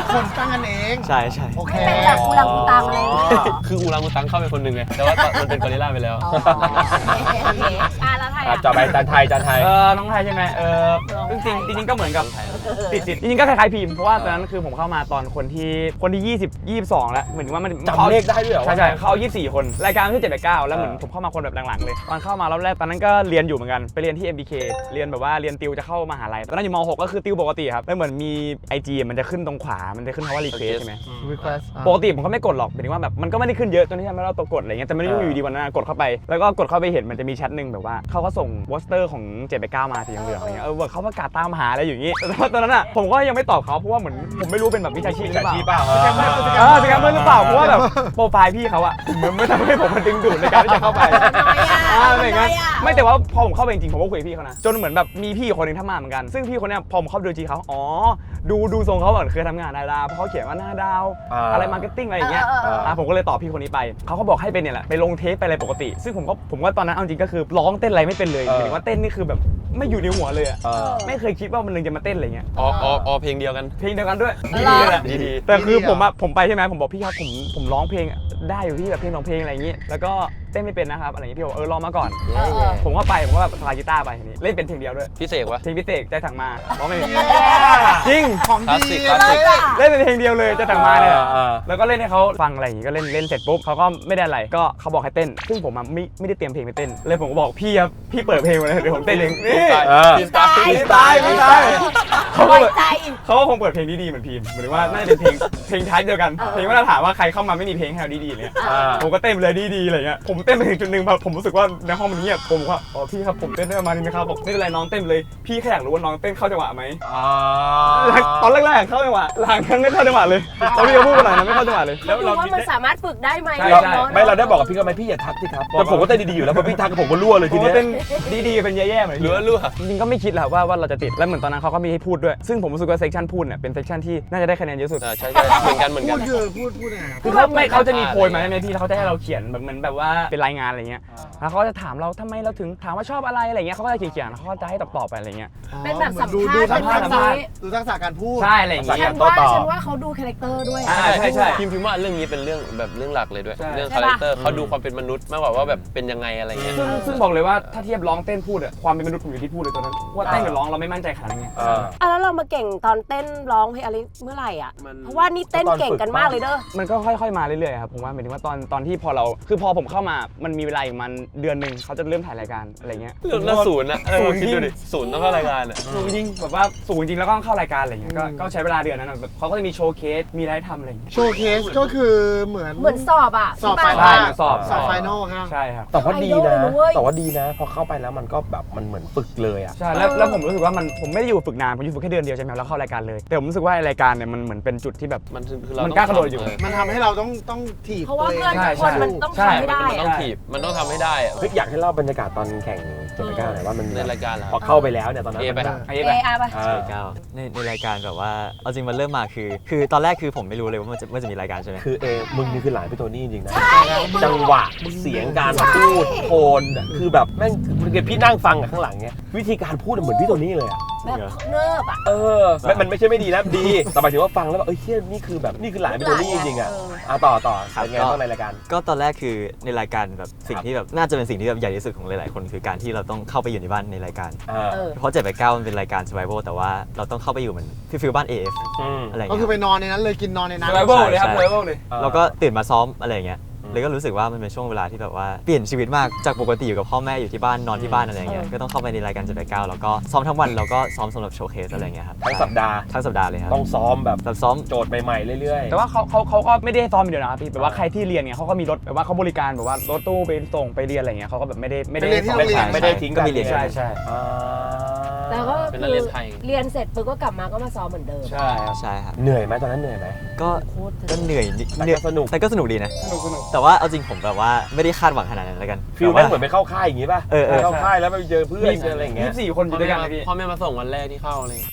Speaker 5: คนตั้งกันเอง
Speaker 6: ใช่ใช่
Speaker 5: โอเค
Speaker 4: เป็นแบบกูรังกูตังอะไรอย่างเงี้ย
Speaker 3: คืออูรังอูตังเข้าไปคนหนึ่งไงแต่ว่ามันเป็นกอริลลาไปแล้ว
Speaker 4: อ๋อโอเคแล้วไทย
Speaker 1: จอไปจานไทย
Speaker 2: น้องไทยใช่ไหมจริงก็เหมือนกับติดจริงๆก็คล้ายๆพิมพ์เพราะว่าตอนนั้นคือผมเข้ามาตอนคนที่22แล้วเหมือนว่ามัน
Speaker 1: จำเลขได้ด้วยเหรอ
Speaker 2: ใช่เขา24 คนรายการที่789แล้วเหมือนผมเข้ามาคนแบบหลังๆเลยตอนเข้ามารอบแรกตอนนั้นก็เรียนอยู่เหมือนกันไปเรียนที่ MBK เรียนแบบว่าเรียนติวจะเข้ามหาลัยตอนนั้นอยู่ม.6 ก็คือติวปกติครับแล้วเหมือนมี IG มันจะขึ้นตรงขวามันจะขึ้นคำว่า request ใช่ไหม
Speaker 5: request
Speaker 2: ปกติผมก็ไม่กดหรอกหมายถึงว่าแบบมันก็ไม่ได้ขึ้นเยอะจนที่ทำให้เราตัวกดอะไรเงี้ยแต่ไม่ได้อยู่ดีวันนั้นกดเข้าไปแล้วก็กดเข้าไปเห็นมันจะมีแชทหนึ่งแบบว่าเขาก็ส่งโปสเตอร์ของ789มาสีเหลืองๆอะไรเงี้ยเขาประกาศตามหาอะไรอย่างงี้แต่ว่าตอนนั้นอ่ะผมก็ยังไม่ตอบเขาเพราะว่าเหมือนผมไม่รู้เป็นแบบวิชาชีพหรือเปล่า
Speaker 1: วิชาชีพเปล่า
Speaker 2: สแกมเมอร์หรือเปล่าเพราะว่าแบบโปรไฟล์พี่เขาอะมันไม่ทำให้ผมมันดึงดูดในการที่จะเข้าไปอะไรเงี้ยไม่แต่ว่าพอผมเข้าไปจริงๆผมก็คุยกับพี่เขานะจนเหมือนแบบมีพี่คนนึงทำมาเหมือนกันซึ่งพี่คนเนี้ยพอผมเข้าไปดูจีเขาอ๋อดูทรงเขาเหมือนเคยทำงานดาราเพราะเขาเขียนว่าหน้าดาวอะไรมาร์เก็ตติ้งอะไรอย่างเงี้ยผมก็เลยตอบพี่คนนี้ไปเขาก็บอกให้เป็นเนี่ยแหละไปลงเทปไปอะไรปกติซึ่งผมว่าตอนนั้นเอาจริงก็คือร้องเต้นอะไรไม่เป็นเลยหมายถึงว่าเต้นนี่คือแบบไม่อยู่ในหัวเลยอะไม่เคยคิดว่ามันนึงจะมาเต้นอะไรเงี้ย
Speaker 3: เพลงเดียวกัน
Speaker 2: เพลงเดียวกันด้วย
Speaker 4: ดีเลยแหละ
Speaker 3: ดี
Speaker 2: แต่คือผมไปใช่ไหมผมบอกพี่ครับผมร้องเพลงได้อยู่ที่แบบเพลงของเพลงอะไรอย่างงี้แล้วก็เต้นไม่เป็นนะครับอะไรอย่างงี้พี่บอกลองมาก่อนผมก็แบบสไลด์กีตาร์ไปทีนี้เล่นเป็นเพลงเดียวด้วย
Speaker 3: พี่เสกวะ
Speaker 2: เพลงพิเศษใจถังมาร้องไม่เป็นจริง
Speaker 5: ของ
Speaker 3: คลาส
Speaker 5: ดี
Speaker 3: สิกคลาสสิก
Speaker 2: เล่นเป็นเพลงเดียวเลยใจถังมาเนี่ย
Speaker 1: อ่า
Speaker 2: แล้วก็เล่นให้เขาฟังอะไรอย่างงี้ก็เล่นเสร็จปุ๊บเขาก็ไม่ได้อะไรก็เขาบอกให้เต้นซึ่งผมไม่ได้เตรียมเพลงไปเต้นเลยผมก็บอกพี่ครับพี่เปิดเพลงมาเลยเดี๋ยวผมเต้นเองนี่
Speaker 3: พี่สไตล์
Speaker 2: พี่ตายเขา
Speaker 4: ป
Speaker 2: ก็
Speaker 4: ล่อย
Speaker 2: แบบ
Speaker 4: ใจ
Speaker 2: เขาก็คงเปิดเพลงดีๆเหมือนพิมพ์หรือว่าน่าจะเป็นเพลงท้ายเดียวกันเพลงมาตรฐานว่าใครเข้ามาไม่มีเพลงให้เราดีๆเลยผมก็เต้นเลยดีๆอะไรเงี้ยผมเต้นไปถึงจุดนึงแบบผมรู้สึกว่าในห้องมันเงียบผมว่าอ๋อพี่ครับผมเต้นได้ประมาณนี้ไหมครับบอกไม่เป็นไรน้องเต้นเลยพี่แค่อยากรู้ว่าน้องเต้นเข้าจังหวะไหมตอนแรกๆเข้าจังหวะหลังๆไม่เข้าจังหวะเลยตอนพี่เขาพูดมาหน่อยนะไม่เข้าจังหวะเลย
Speaker 4: แล้วดูว่ามันสามารถฝึกได้ไหม
Speaker 1: ไม่เราได้บอกกับพี่เขาไหมพี่อย่าทักสิครับแต่ผมก็เต้นดีๆอยู่แล้วพอพี่ทักผมก็รั่วเลย
Speaker 2: ที
Speaker 1: ที
Speaker 2: นี้
Speaker 1: เนี้ย
Speaker 2: เต้นดีๆเป็นแย่ๆเหมือน
Speaker 3: รั่ว
Speaker 2: จริงๆก็ไม่คิดแหละว่าเราจะติดแล้วเหมือนตอนนั้นเขาก็มีให้พูดด้วยซึ่งผมรู้สึกว่าเซสชั่นพูดเนี่ยเป็นเซสชั่นที่น่าจะได้คะแนนเยอะสุด
Speaker 3: ใช่เหมือนกัน
Speaker 5: พูดยังไงครับ
Speaker 2: คือเขาจะมีโพยมาใช่ไหมพี่แล้วเขาจะให้เราเขียนแบบเหมือนแบบว่าเป็นรายงานอะไรเงี้ยแล้วเขาจะถามเราทำไมเราถึงถามว่าชอบอะไรอะไรเงี้ยเขาก็จะเขียนเขาก็จะให้ตอบไปอะไรเงี้ย
Speaker 4: เป็นแบบสัม
Speaker 5: ดู
Speaker 4: ภาษณ์
Speaker 5: ทั
Speaker 4: เป็น
Speaker 5: ก
Speaker 4: แบบ
Speaker 5: ษะ
Speaker 4: นี้
Speaker 5: ดูทักษะการพูด
Speaker 2: ใช่อะไรอย่าง
Speaker 4: ฉั
Speaker 2: เงี้ย
Speaker 4: นว่าเขาดูคาแรคเตอร์ด้วย
Speaker 2: ใช่
Speaker 3: พิมพ์ว่าเรื่องนี้เป็นเรื่องแบบเรื่องหลักเลยด้วย
Speaker 2: ใช่
Speaker 3: เรื่องคาแรคเตอร์เขาดูความเป็นมนุษย์มากกว่าว่าแบบเป็นยังไงอะไรเงี้ย
Speaker 2: ซึ่งบอกเลยว่าถ้าเทียบร้องเต้นพูดอะความเป็นมนุษย์ผมอยู่ที่พูดเลยตอนนั้นว่าเต้นกับร้องเราไม่มั่นใจขนาดนั้นไง
Speaker 4: แล้วเรามาเก่งตอนเต้นร้องเพลงอะไรเมื่อไหร่อ่ะเพราะว่านี่เต้นเก่งกันมากเลยเด้อ
Speaker 2: มันก็ค่อยๆมาเรื่อยๆครับผมว่าหมายถึงว่าตอนที่พอผมเข้ามามันมีเวลาอีกมันเดือนนึงเขาจะเริ่มถ่ายรายการอะไรเงี้ย
Speaker 3: แล้วศูนย์นะ
Speaker 2: ศูนย์
Speaker 3: คิดดูดิศูนย์ต้องเข้ารายการอ่ะ
Speaker 2: สูงจริงแบบว่าสูงจริงแล้วก็เข้ารายการอะไรเงี้ยก็ใช้เวลาเดือนนั้นอะแบบเขาก็จะมีโชว์เคสมีอะไรให้ทำอะไรเงี้ย
Speaker 5: โชว์เคสก็คือเหมือน
Speaker 4: สอบอ่ะ
Speaker 5: สอบไฟ
Speaker 2: ใช่
Speaker 5: นอล
Speaker 2: สอบ
Speaker 5: ไฟนอลครับ
Speaker 2: ใช่ครับ
Speaker 1: แต่ว่าดี
Speaker 4: ไอดอล
Speaker 1: นะ
Speaker 4: เลยเว้ย
Speaker 1: แต่ว่าดีนะพอเข้าไปแล้วมันก็แบบมันเหมือนฝึกเลยอ่ะ
Speaker 2: ใช่แล้วผมรู้สึกว่าผมไม่ได้อยู่ฝึกนานผมอยู่ฝึกแค่เดือนเดียวใช่ไหมแล้วเข้ารายการเลยแต่ผมรู้สึกว่ารายการเนี่ยมันเหมือนเป็นจุดที่แบบ
Speaker 3: มันคือเรา
Speaker 2: มันกล้ากระโดดอยู่
Speaker 5: มันทำให้เราต้องถีบ
Speaker 4: เพราะว่า
Speaker 5: ตัว
Speaker 4: เพื่อน
Speaker 5: เอง
Speaker 4: ทุกคนมันต้องทำให้ได้
Speaker 3: มันต้องถีบมันต้องทำให้ได้อะ
Speaker 1: เฮ้ยอยากให้เล่าบรรยากาศตอนแข่งเจ็ดก้าหน่อยว่ามัน
Speaker 3: ในรายการเหรอ
Speaker 1: พอเข้าไปแล้วเนี่ยตอนนั้น
Speaker 3: เอไป
Speaker 1: มัน
Speaker 2: ไอ้
Speaker 4: เอ
Speaker 2: แบบ
Speaker 4: อาไป
Speaker 6: ในรายการแบบว่าเอาจริงมันเริ่มมาคือตอนแรกคือผมไม่รู้เลยว่ามันจะมีรายการใช่ไหม
Speaker 1: คือมึงนี่คือหลานพี่โทนี่จริงๆนะจังหวะเสียงการพูดโทนอะคือแบบแม่งพี่นั่งฟังอะข้างหลังเนี้ยวิธีการพูดเหมือนพี่โทนี่เลยอะ
Speaker 4: แบบเนิบอ่ะ
Speaker 1: มันไม่ใช่ไม่ดีนะดีแต่หมายถึงว่าฟังแล้วแบบเชี่ยนี่คือหลานพี่โทนี่จริงๆอะต่อเป็นไงบ้างในรายการ
Speaker 6: ก็ตอนแรกคือในรายการแบบสิ่งที่แบบน่าจะเป็นสิ่งที่แบบใหญ่ที่สุดของหลายๆคนคือการที่เราต้องเข้าไปอยู่ในบ้านในรายการเพราะ789มันเป็นรายการ survival แต่ว่าเราต้องเข้าไปอยู่เหมือนฟิลบ้าน AF อะไรอย่าง
Speaker 5: ก็
Speaker 6: เงี้
Speaker 5: คือย ไปนอนในนั้นเลยกินนอนในนั้น
Speaker 2: เลเวลเลยครับเลเวลเลย
Speaker 6: เราก็ตื่นมาซ้อมอะไรอย่างเงี้ยเลยก็รู้สึกว่ามันเป็นช่วงเวลาที่แบบว่าเปลี่ยนชีวิตมากจากปกติอยู่กับพ่อแม่อยู่ที่บ้านนอนที่บ้านอะไรอย่างเงี้ยก็ต้องเข้าไปในรายการ789แล้วก็ซ้อมทั้งวันแล้วก็ซ้อมสำหรับโชว์เคสอะไรอย่างเงี้ยครับ
Speaker 1: ทั้งสัปดาห์
Speaker 6: ทั้งสัปดาห์เลยครับ
Speaker 1: ต้องซ้อมแบบ
Speaker 6: ซ้อม
Speaker 1: โจทย์ใหม่ๆเรื่อยๆ
Speaker 2: แต่ว่าเขาก็ไม่ได้ซ้อมอย่างเดียวนะครับพี่แบบว่าใครที่เรียนเนี่ยเขาก็มีรถแบบว่าเขาบริการแบบว่ารถตู้ไปส่งไปเรียนอะไรเงี้ยเขาก็แบบไม่ได้
Speaker 5: ไปเรียนที่โรงเรียน
Speaker 1: ไม่ได้ทิ้ง
Speaker 6: ก็มีเรียน
Speaker 2: ใช่ใช่
Speaker 4: แล้วก็
Speaker 3: เป็น
Speaker 4: คื
Speaker 3: นักเรียนไทย
Speaker 4: เรียนเสร็จปุ๊บก็กลับมาก็มาซ้อมเหมือนเดิม
Speaker 2: ใช่ครับ
Speaker 6: ใช่ครับ
Speaker 1: เหนื่อยไหมตอนนั้นเหนื่อยไหม
Speaker 6: ก็เหนื่อยนิด
Speaker 1: แต่ก็สนุก
Speaker 6: แต่ก็สนุกดีนะ
Speaker 2: สนุก
Speaker 6: แต่ว่าเอาจริงผมแบบว่าไม่ได้คาดหวังขนาดนั้นแล้วกัน
Speaker 1: ฟิลแม่งเหมือนไปเข้าค่ายอย่างงี้ป่ะ
Speaker 6: เออ
Speaker 1: ไปเข้าค่ายแล้วไปเจอเพื่อนเจออะไรอย่างเงี้ย
Speaker 2: 24 คนอยู่ด้วยกันเลยพี่
Speaker 3: พ่อแม่มาส่งวันแรกที่เข้าเลย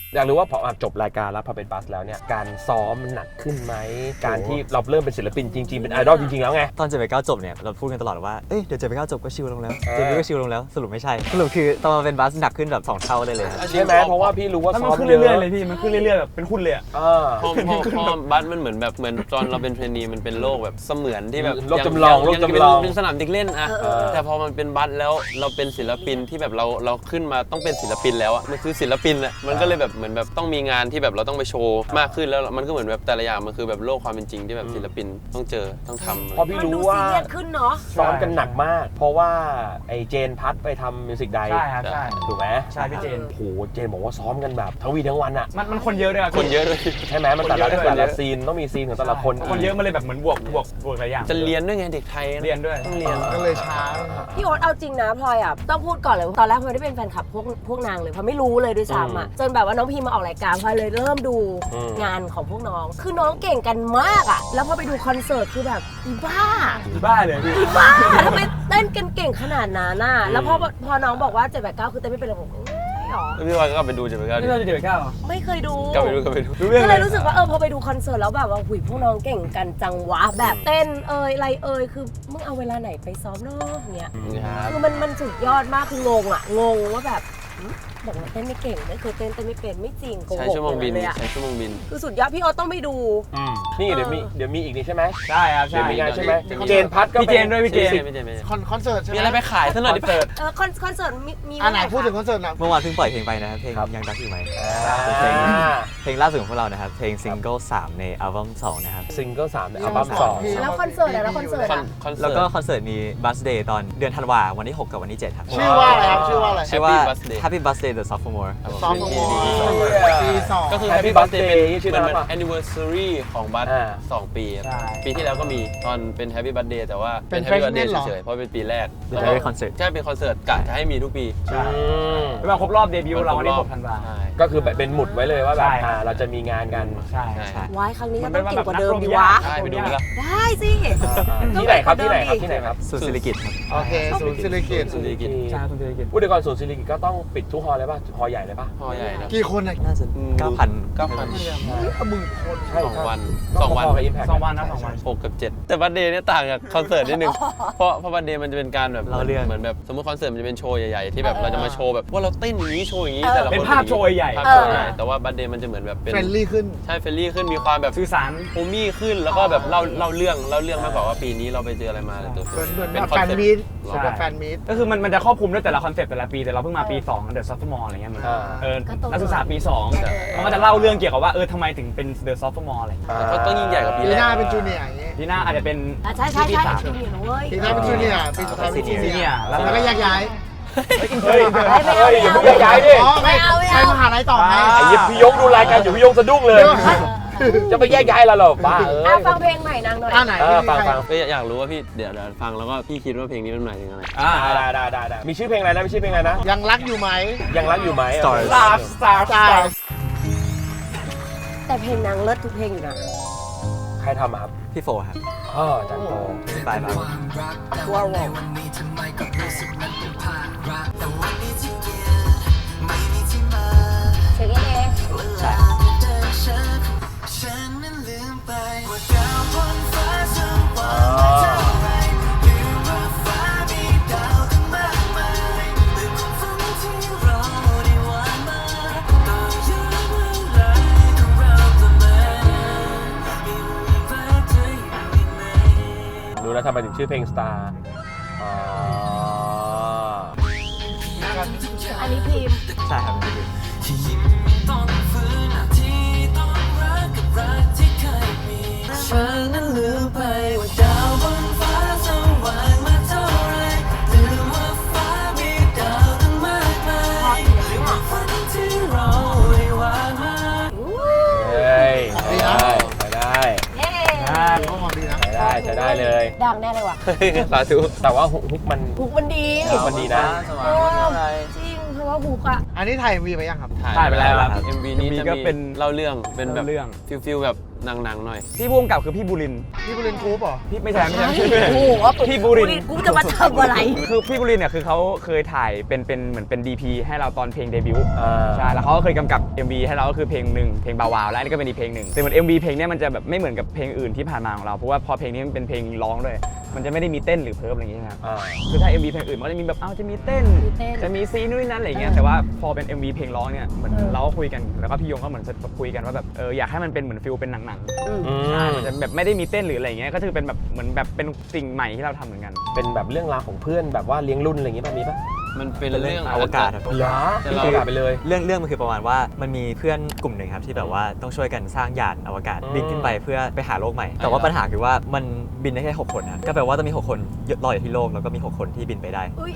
Speaker 1: อยากรู้ว่าพอจบรายการแล้วพอเป็นบัสแล้วเนี่ยการซ้อมมันหนักขึ้นไหมการที่เราเริ่มเป็นศิลปินจริงๆเป็นไอดอลจริงๆแล้วไง
Speaker 6: ตอน789จบเนี่ยเราพูดกันตลอดว่าเอ้ยเดี๋ยว789จบก็ชิลลงแล้วเจมี่ก็ชิลลงแล้วสรุปไม่ใช่สรุปคือตอนมาเป็นบัสหนักขึ้นแบบ2 เท่าได้เลย
Speaker 1: ใช่ไหมเพราะว่าพี่รู้ว่า
Speaker 2: แล้ว
Speaker 1: ซ้
Speaker 2: มั
Speaker 1: อน ม
Speaker 2: ขึ้น
Speaker 1: เย
Speaker 2: เรื่อยๆ
Speaker 1: อะ
Speaker 2: เลยพี่มันขึ้นเรื่อยๆแบบเป็นหุ้นเลยอะ
Speaker 3: พอบัสมันเหมือนตอนเราเป็นเทรนนีมันเป็นโลกแบบเสมือนที่แบบ
Speaker 1: โลกจำลอง
Speaker 3: ยั
Speaker 1: โลกจำลอง
Speaker 3: เป็นสนามเด็กเล่นอะแต่พอมันเป็นบัสแล้วเราเป็นศิลปินที่แบบเราขึ้นมาต้องเป็นศิลปินแล้วอะมันคือศิลปินอะมันก็เลยแบบเหมือนแบบต้องมีงานที่แบบเราต้องไปโชว์มากขึ้นแล้วมันก็เหมือนแบบแต่ละอย่างมันคือแบบโลกความเป็นจริงที่แบบศิลปินต้องเจอต้องทำ
Speaker 1: เพราะพี่
Speaker 4: มัน
Speaker 1: รู้
Speaker 4: ดู
Speaker 1: ว่า
Speaker 4: ซีเรียสขึ้นเนาะ
Speaker 1: ซ้อมกันหนักมาก เพราะว่าไอ้เจนพัทไปทำมิวสิกได
Speaker 2: ใช่ครับใช่
Speaker 1: ถูกไหม
Speaker 2: ใช่พี่เจน
Speaker 1: โอ้โหเจนบอกว่าซ้อมกันแบบทั้งวีทั้งวันอะ
Speaker 2: มันคนเยอะด้วยอะ
Speaker 3: คนเยอะด้วย
Speaker 1: ใช่ไหมมันแต่ละ
Speaker 2: คนเยอะด้วย
Speaker 1: แต่ละซีนต้องมีซีนของแต่ละคน
Speaker 2: คนเยอะมันเลยแบบเหมือนบวกหลายอย่าง
Speaker 3: จะเรียนด้วยไงเด็กไทยอะ
Speaker 2: เรียนด้วย
Speaker 3: ต้องเรียน
Speaker 5: ก็เลยช้า
Speaker 4: พี่โอ๊ตเอาจริงนะพลอยอ่ะต้องพูดก่อนเลยตอนแรกพลอยไม่ได้เป็นแฟนคลับพวกนางเลยเพราะไม่รู้เลยด้วยซ้ำอ่ะจนแบบว่าน้องพีมาออกรายการพลอยเลยเริ่มดูงานของพวกน้อง คือน้องเก่งกันมากอ่ะแล้วพอไปดูคอนเสิร์ตคือแบบอีบ้า
Speaker 2: บ้าเลยพี่
Speaker 4: อีบ้าทำไมเต้นกันเก่งขนาดนั้นน่ะแล้วพอน้องบอกว่า789คือเต้นไม่เป็นระบบหรอ
Speaker 3: แล้วพี่บอยก็กลับไปดู789
Speaker 2: นี่เราจะเด็กเก้าเหรอ
Speaker 4: ไม่เคยดู
Speaker 3: กลับไปดู
Speaker 2: รู้เรื่อง
Speaker 4: ก็
Speaker 2: เล
Speaker 4: เลย ยรู้สึกว่าพอไปดูคอนเสิร์ตแล้วแบบว่าหุยพวกน้องเก่งกันจังวะแบบเต้นอะไรคือมึงเอาเวลาไหนไปซ้อมเนาะเงี้ย
Speaker 3: ครับ
Speaker 4: คือมันสุดยอดมากคืองงว่าแบบบอกว่าเต้นไม่เก่งไม่เคยเต้นไม่เป็นไม่จริงโกหก
Speaker 3: ใช้ชั่วโมงบิน
Speaker 4: เลยอะ
Speaker 3: ใช้ชั่วโมงบิน
Speaker 4: คือสุดยอดพี่โอ๊ตต้องไปดู
Speaker 1: นี่เดี๋ยวมีอีกนี่ใช่ไหม
Speaker 2: ใช่ครับ
Speaker 1: เดี๋
Speaker 2: ใช่
Speaker 1: ยวมีงานใช่ไหม
Speaker 3: เดี๋ยว
Speaker 1: เจนพัทก็
Speaker 2: พี่เจนด้วยพี่เจน
Speaker 3: ไม่ใช่
Speaker 5: คอนเสิร์ตใช่ไหม
Speaker 3: มีอะไรไปขายซะหน่อยดิ
Speaker 2: เสิร์ต
Speaker 4: คอนเสิร์ตมี
Speaker 5: อันไหน
Speaker 4: เมื่ร่
Speaker 5: พูดถึงคอนเสิร์ตหน่อย
Speaker 6: เมื่อวานเพิ่งปล่อยเพลงไปนะครับเพลงยังรักอยู่ไหมเพลงล่าสุดของพวกเรานะครับเพลงซิงเกิล3ในอัลบั้ม2นะครับ
Speaker 1: ซิงเกิล3ในอัลบั้ม2
Speaker 4: แล้วคอนเสิร์ตแล้วคอนเสิร์ต
Speaker 3: คอนเสิร์ต
Speaker 6: แล้วก็คอนเสิร์ตมีบัสเดย์ตอนเดือนธันวาวันที่6กับวันที่7ครับ
Speaker 5: ชื่อว่าอะไรครับชื่อว่าอะไร
Speaker 6: ชื่อว่า
Speaker 3: Happy Birthday
Speaker 6: Happy Birthday the Sophomore
Speaker 5: ซอฟต์วอร์ปีสอง
Speaker 3: ก็คือ
Speaker 1: Happy
Speaker 3: Happy Birthday
Speaker 1: Birthday
Speaker 3: เป็น
Speaker 1: ชื่อ
Speaker 3: มัน
Speaker 1: นั้น
Speaker 3: เป็น
Speaker 1: ปะ
Speaker 3: anniversary ของบัส 2 ปีครับ
Speaker 2: ใช่
Speaker 3: ปีที่แล้วก็มีตอนเป็น Happy Birthday แต่ว่า
Speaker 5: เป็น
Speaker 3: Happy
Speaker 5: freshman
Speaker 3: Birthday
Speaker 5: เหรอ
Speaker 3: เฉยๆเพราะเป็นปีแรก
Speaker 6: เป็น Happy Concert
Speaker 3: ใช่เป็นคอนเสิร์ตกะจะให้มีทุกปี
Speaker 2: ใช่เป็นวันครบรอบเดบิวต์เราวันที่6 ธันวา
Speaker 3: ใช่
Speaker 1: ก็คือแบบเป็นหมุดไว้เลยว่าแบบ
Speaker 2: ใช่
Speaker 1: เราจะมีงานกัน
Speaker 2: ใช่
Speaker 3: ใช่
Speaker 4: วายครั้งนี้
Speaker 2: มั
Speaker 4: ก็
Speaker 2: น
Speaker 4: ต้
Speaker 2: เป็
Speaker 4: อน ง
Speaker 2: วัน
Speaker 4: เก่งกว่า
Speaker 2: แบบ
Speaker 4: เดิม
Speaker 2: นัก
Speaker 4: ดี
Speaker 2: รบยาว
Speaker 4: ะ
Speaker 2: ก
Speaker 3: ใช่ไปดูไหมล่ะ
Speaker 4: ได้สิ
Speaker 1: ที่ไหนครับที่ไหนครับที่ไหนครับ
Speaker 6: ศูนย์ศิริกิติ์ครับ
Speaker 5: โอเคศูนย์ศิริกิติ์
Speaker 3: สุริกิต
Speaker 2: ใช่คุณเจริญกิจ
Speaker 1: พูดถึงก่อนศูนย์ศิริกิติ์ก็ต้องปิดทุกฮอลเลยป่ะฮอลใหญ่เลยป่ะ
Speaker 3: พอใหญ่นะ
Speaker 5: กี่คนอ่ะ
Speaker 6: น่าจะ 9,000
Speaker 5: หมื่นคน
Speaker 1: ใช่
Speaker 3: 2 วัน
Speaker 1: ก็
Speaker 3: 2 วัน
Speaker 1: พอๆกับ Impact
Speaker 2: 2 วันนะ2 วัน
Speaker 3: 6 กับ 7 แต่บัสเดย์เนี่ยต่างจากคอนเสิร์ตนิดนึง เพราะบัสเดย์มันจะเป็นการแบบ
Speaker 6: เล่าเรื่อง
Speaker 3: เหมือนแบบสมมติคอนเสิร์ตมันจะเป็นโชว์ใหญ่ๆที่แบบเราจะมาโชว์แบบว่าเราเต้นอย่างนี้โชว์อย่างนี้แต่ละคน
Speaker 2: เป็นภาพโชว์ใหญ่
Speaker 3: ภาพโชว์ใหญ่แต่ว่าบัสเดย์มันจะเหมือนแบบเป็น
Speaker 5: เฟรนลี่ขึ้น
Speaker 3: ใช่เฟรนลี่ขึ้นมีความแบบ
Speaker 2: สื่อสาร
Speaker 3: โฮมี่ขึ้นแล้วก็แบบเล่าเรื่องมากกว่าว่าปีนี้เราไปเจออะไรมาอะไรตัว
Speaker 5: เหมือน
Speaker 3: เป็น
Speaker 5: แบบ
Speaker 3: คอน
Speaker 5: แฟน
Speaker 3: เซ็ปต์
Speaker 5: มีต
Speaker 2: ใช่
Speaker 5: แบบแฟนมีต
Speaker 2: ก็คือมันจะครอบคลุมด้วยแต่ละคอนเซ็ปต์แต่ละปีแต่เราเพิ่งมาปี2 The Sophomore อะไรเงี้ยมันนักศึกษาปี2มันก็จะเล่าเรื่องเกี่ยวกับว่าทำไมถึงเป็น The Sophomore อะไรเงี้ย
Speaker 3: ก็ต้องยิ่งใหญ่กว่าปี
Speaker 5: ปี
Speaker 3: แร
Speaker 5: ห
Speaker 3: ก
Speaker 5: น้าเป็นจูเนียร์อย่างงี้
Speaker 2: ปีหน้าอาจจะเป็น
Speaker 4: ใช่
Speaker 2: ปีสาม
Speaker 4: จริงๆเว้ย
Speaker 5: ปีหน้าเป็นจูเนียร์ปีสุดท้ายเป็นซี
Speaker 2: ซีเนี
Speaker 5: เนี
Speaker 2: ย
Speaker 5: ย
Speaker 2: ร์
Speaker 5: ร์
Speaker 2: แล้ว
Speaker 5: แล้วก็แยกย้าย
Speaker 1: เฮ้ย
Speaker 4: ไม่เอา
Speaker 1: เฮ้ยอย่าเพิ่งย้ายดิ
Speaker 5: อ๋อไม่ใช้มหาลัยต่อไง
Speaker 1: ไอ้ยิบพี่ยงดูรายการอยู่พี่ยงสะดุ้งเลย จะไปแยกย้ายเราหรอบ้าเอ้ย
Speaker 4: ฟังเพลงใหม่นางหน่อย
Speaker 5: อันไหน
Speaker 1: ฟัง
Speaker 3: ก็อยากรู้ว่าพี่เดี๋ยวฟังแล้วก็พี่คิดว่าเพลงนี้มันหมายถึงอะไร
Speaker 1: ได้มีชื่อเพลงอะไรนะมีชื่อเพลงอะไรนะ
Speaker 5: ยังรักอยู่ไหม
Speaker 1: ยังรักอยู่ไหม
Speaker 6: Stars
Speaker 5: ใช่
Speaker 4: แต่เพลงนางเลิศทุกเพลงอยู่นะ
Speaker 1: ใครทำอะครับ
Speaker 6: พี่โฟครับ
Speaker 1: จันโต
Speaker 6: พี่ปลายครับ
Speaker 4: ว้าว เช็คเอง
Speaker 6: ใช่
Speaker 1: รู้แล้วทำไมถึงชื่อเพลง Star
Speaker 4: อันนี้พิมพ์
Speaker 6: ใช่ครับพี่
Speaker 7: ฉันนั้นลืมไปว่าดาวบนฟ้าสว่างมาเท่าไรลืมว่าฟ้ามีดาวตั้งมากมายลืมว่าฝันที่เราได้วางมา
Speaker 1: เฮ้ยใช้ได้
Speaker 4: เย้
Speaker 5: ก็หอมดีนะ
Speaker 1: ใช้ได้เลย
Speaker 4: ดังแน่เลยว่ะ
Speaker 3: สาธุ
Speaker 1: แต่ว่าฮุกมัน
Speaker 4: ฮุกมันดี
Speaker 1: ฮุกมันดีนะ
Speaker 4: จริงเพราะว่าฮุกอะ
Speaker 5: อันนี้ถ่ายวีไปยังครับ
Speaker 2: ถ่ายไปแล้วครับ
Speaker 3: MV นี้
Speaker 2: MV
Speaker 3: จะ
Speaker 2: ก็
Speaker 3: มี
Speaker 2: เป็น
Speaker 3: เล่าเรื่องเป็นแบบ
Speaker 2: เล่าเรื่อง
Speaker 3: ฟิลแบบหนังๆหน่อย
Speaker 2: พี่ผู้กำกับคือพี่บุรินทร์
Speaker 5: นี่บุรินทร์กรุ๊ปเหรอ
Speaker 2: พี่ไม่ใช่ไม่ใช่
Speaker 4: โอ้โห
Speaker 2: พี่บุรินทร์
Speaker 4: กูจะมาทำอะไร
Speaker 2: คือพี่บุรินทร์เนี่ยคือเขาเคยถ่ายเป็นเหมือนเป็น DP ให้เราตอนเพลงเดบิวต์ใช่แล้วเขาก็เคยกำกับ MV ให้เราก็คือเพลงหนึ่งเพลงบาวาวและอันนี้ก็เป็นอีกเพลงหนึ่งแต่เหมือน MV เพลงเนี้ยมันจะแบบไม่เหมือนกับเพลงอื่นที่ผ่านมาของเราเพราะว่าพอเพลงนี้มันเป็นเพลงร้องด้วยมันจะไม่ได้มีเต้นหรือเพิ่มอะไรอย่างเงี้ยครับคือถ้า MV เพลงอื่นมันก็จะมีแบบจะมีเต้น
Speaker 4: มีเต้น
Speaker 2: จะมีซีนู่นนั่นอะไรอย่างเงี้ยแต่ว่าพอเป็น MV เพลงร้องเนี่ยเหมือนเราก็คุยกันแล้วก็พี่ยงก็เหมือนจะคุยกันว่าแบบอยากให้มันเป็นเหมือนฟิลเป็นหนังใช่มันจะแบบไม่ได้มีเต้นหรืออะไรอย่างเงี้ยก็คือเป็นแบบเหมือนแบบเป็นสิ่งใหม่ที่เราทำเหมือนกัน
Speaker 1: เป็นแบบเรื่องราวของเพื่อนแบบว่าเลี้ยงรุ่นอะไรอย่างงี้ป่ะมีป่ะ
Speaker 3: มันเป็นเรื่อง
Speaker 6: อวกาศครับ
Speaker 1: เหรอ
Speaker 3: แต่
Speaker 1: พี่
Speaker 3: เรา
Speaker 1: อวกาศไปเลย
Speaker 6: เรื่องมันคือประมาณว่ามันมีเพื่อนกลุ่มหนึ่งครับที่แบบว่าต้องช่วยกันสร้างยานอวกาศบินขึ้นไปเพื่อไปหาโลกใหม่ แต่ว่าปัญหาคือว่ามันบินได้แค่6คนนะก็แปลว่าต้องมี6คนลอยอยู่ที่โลกแล้วก็มี6คนที่บินไปได้
Speaker 4: อุ้ย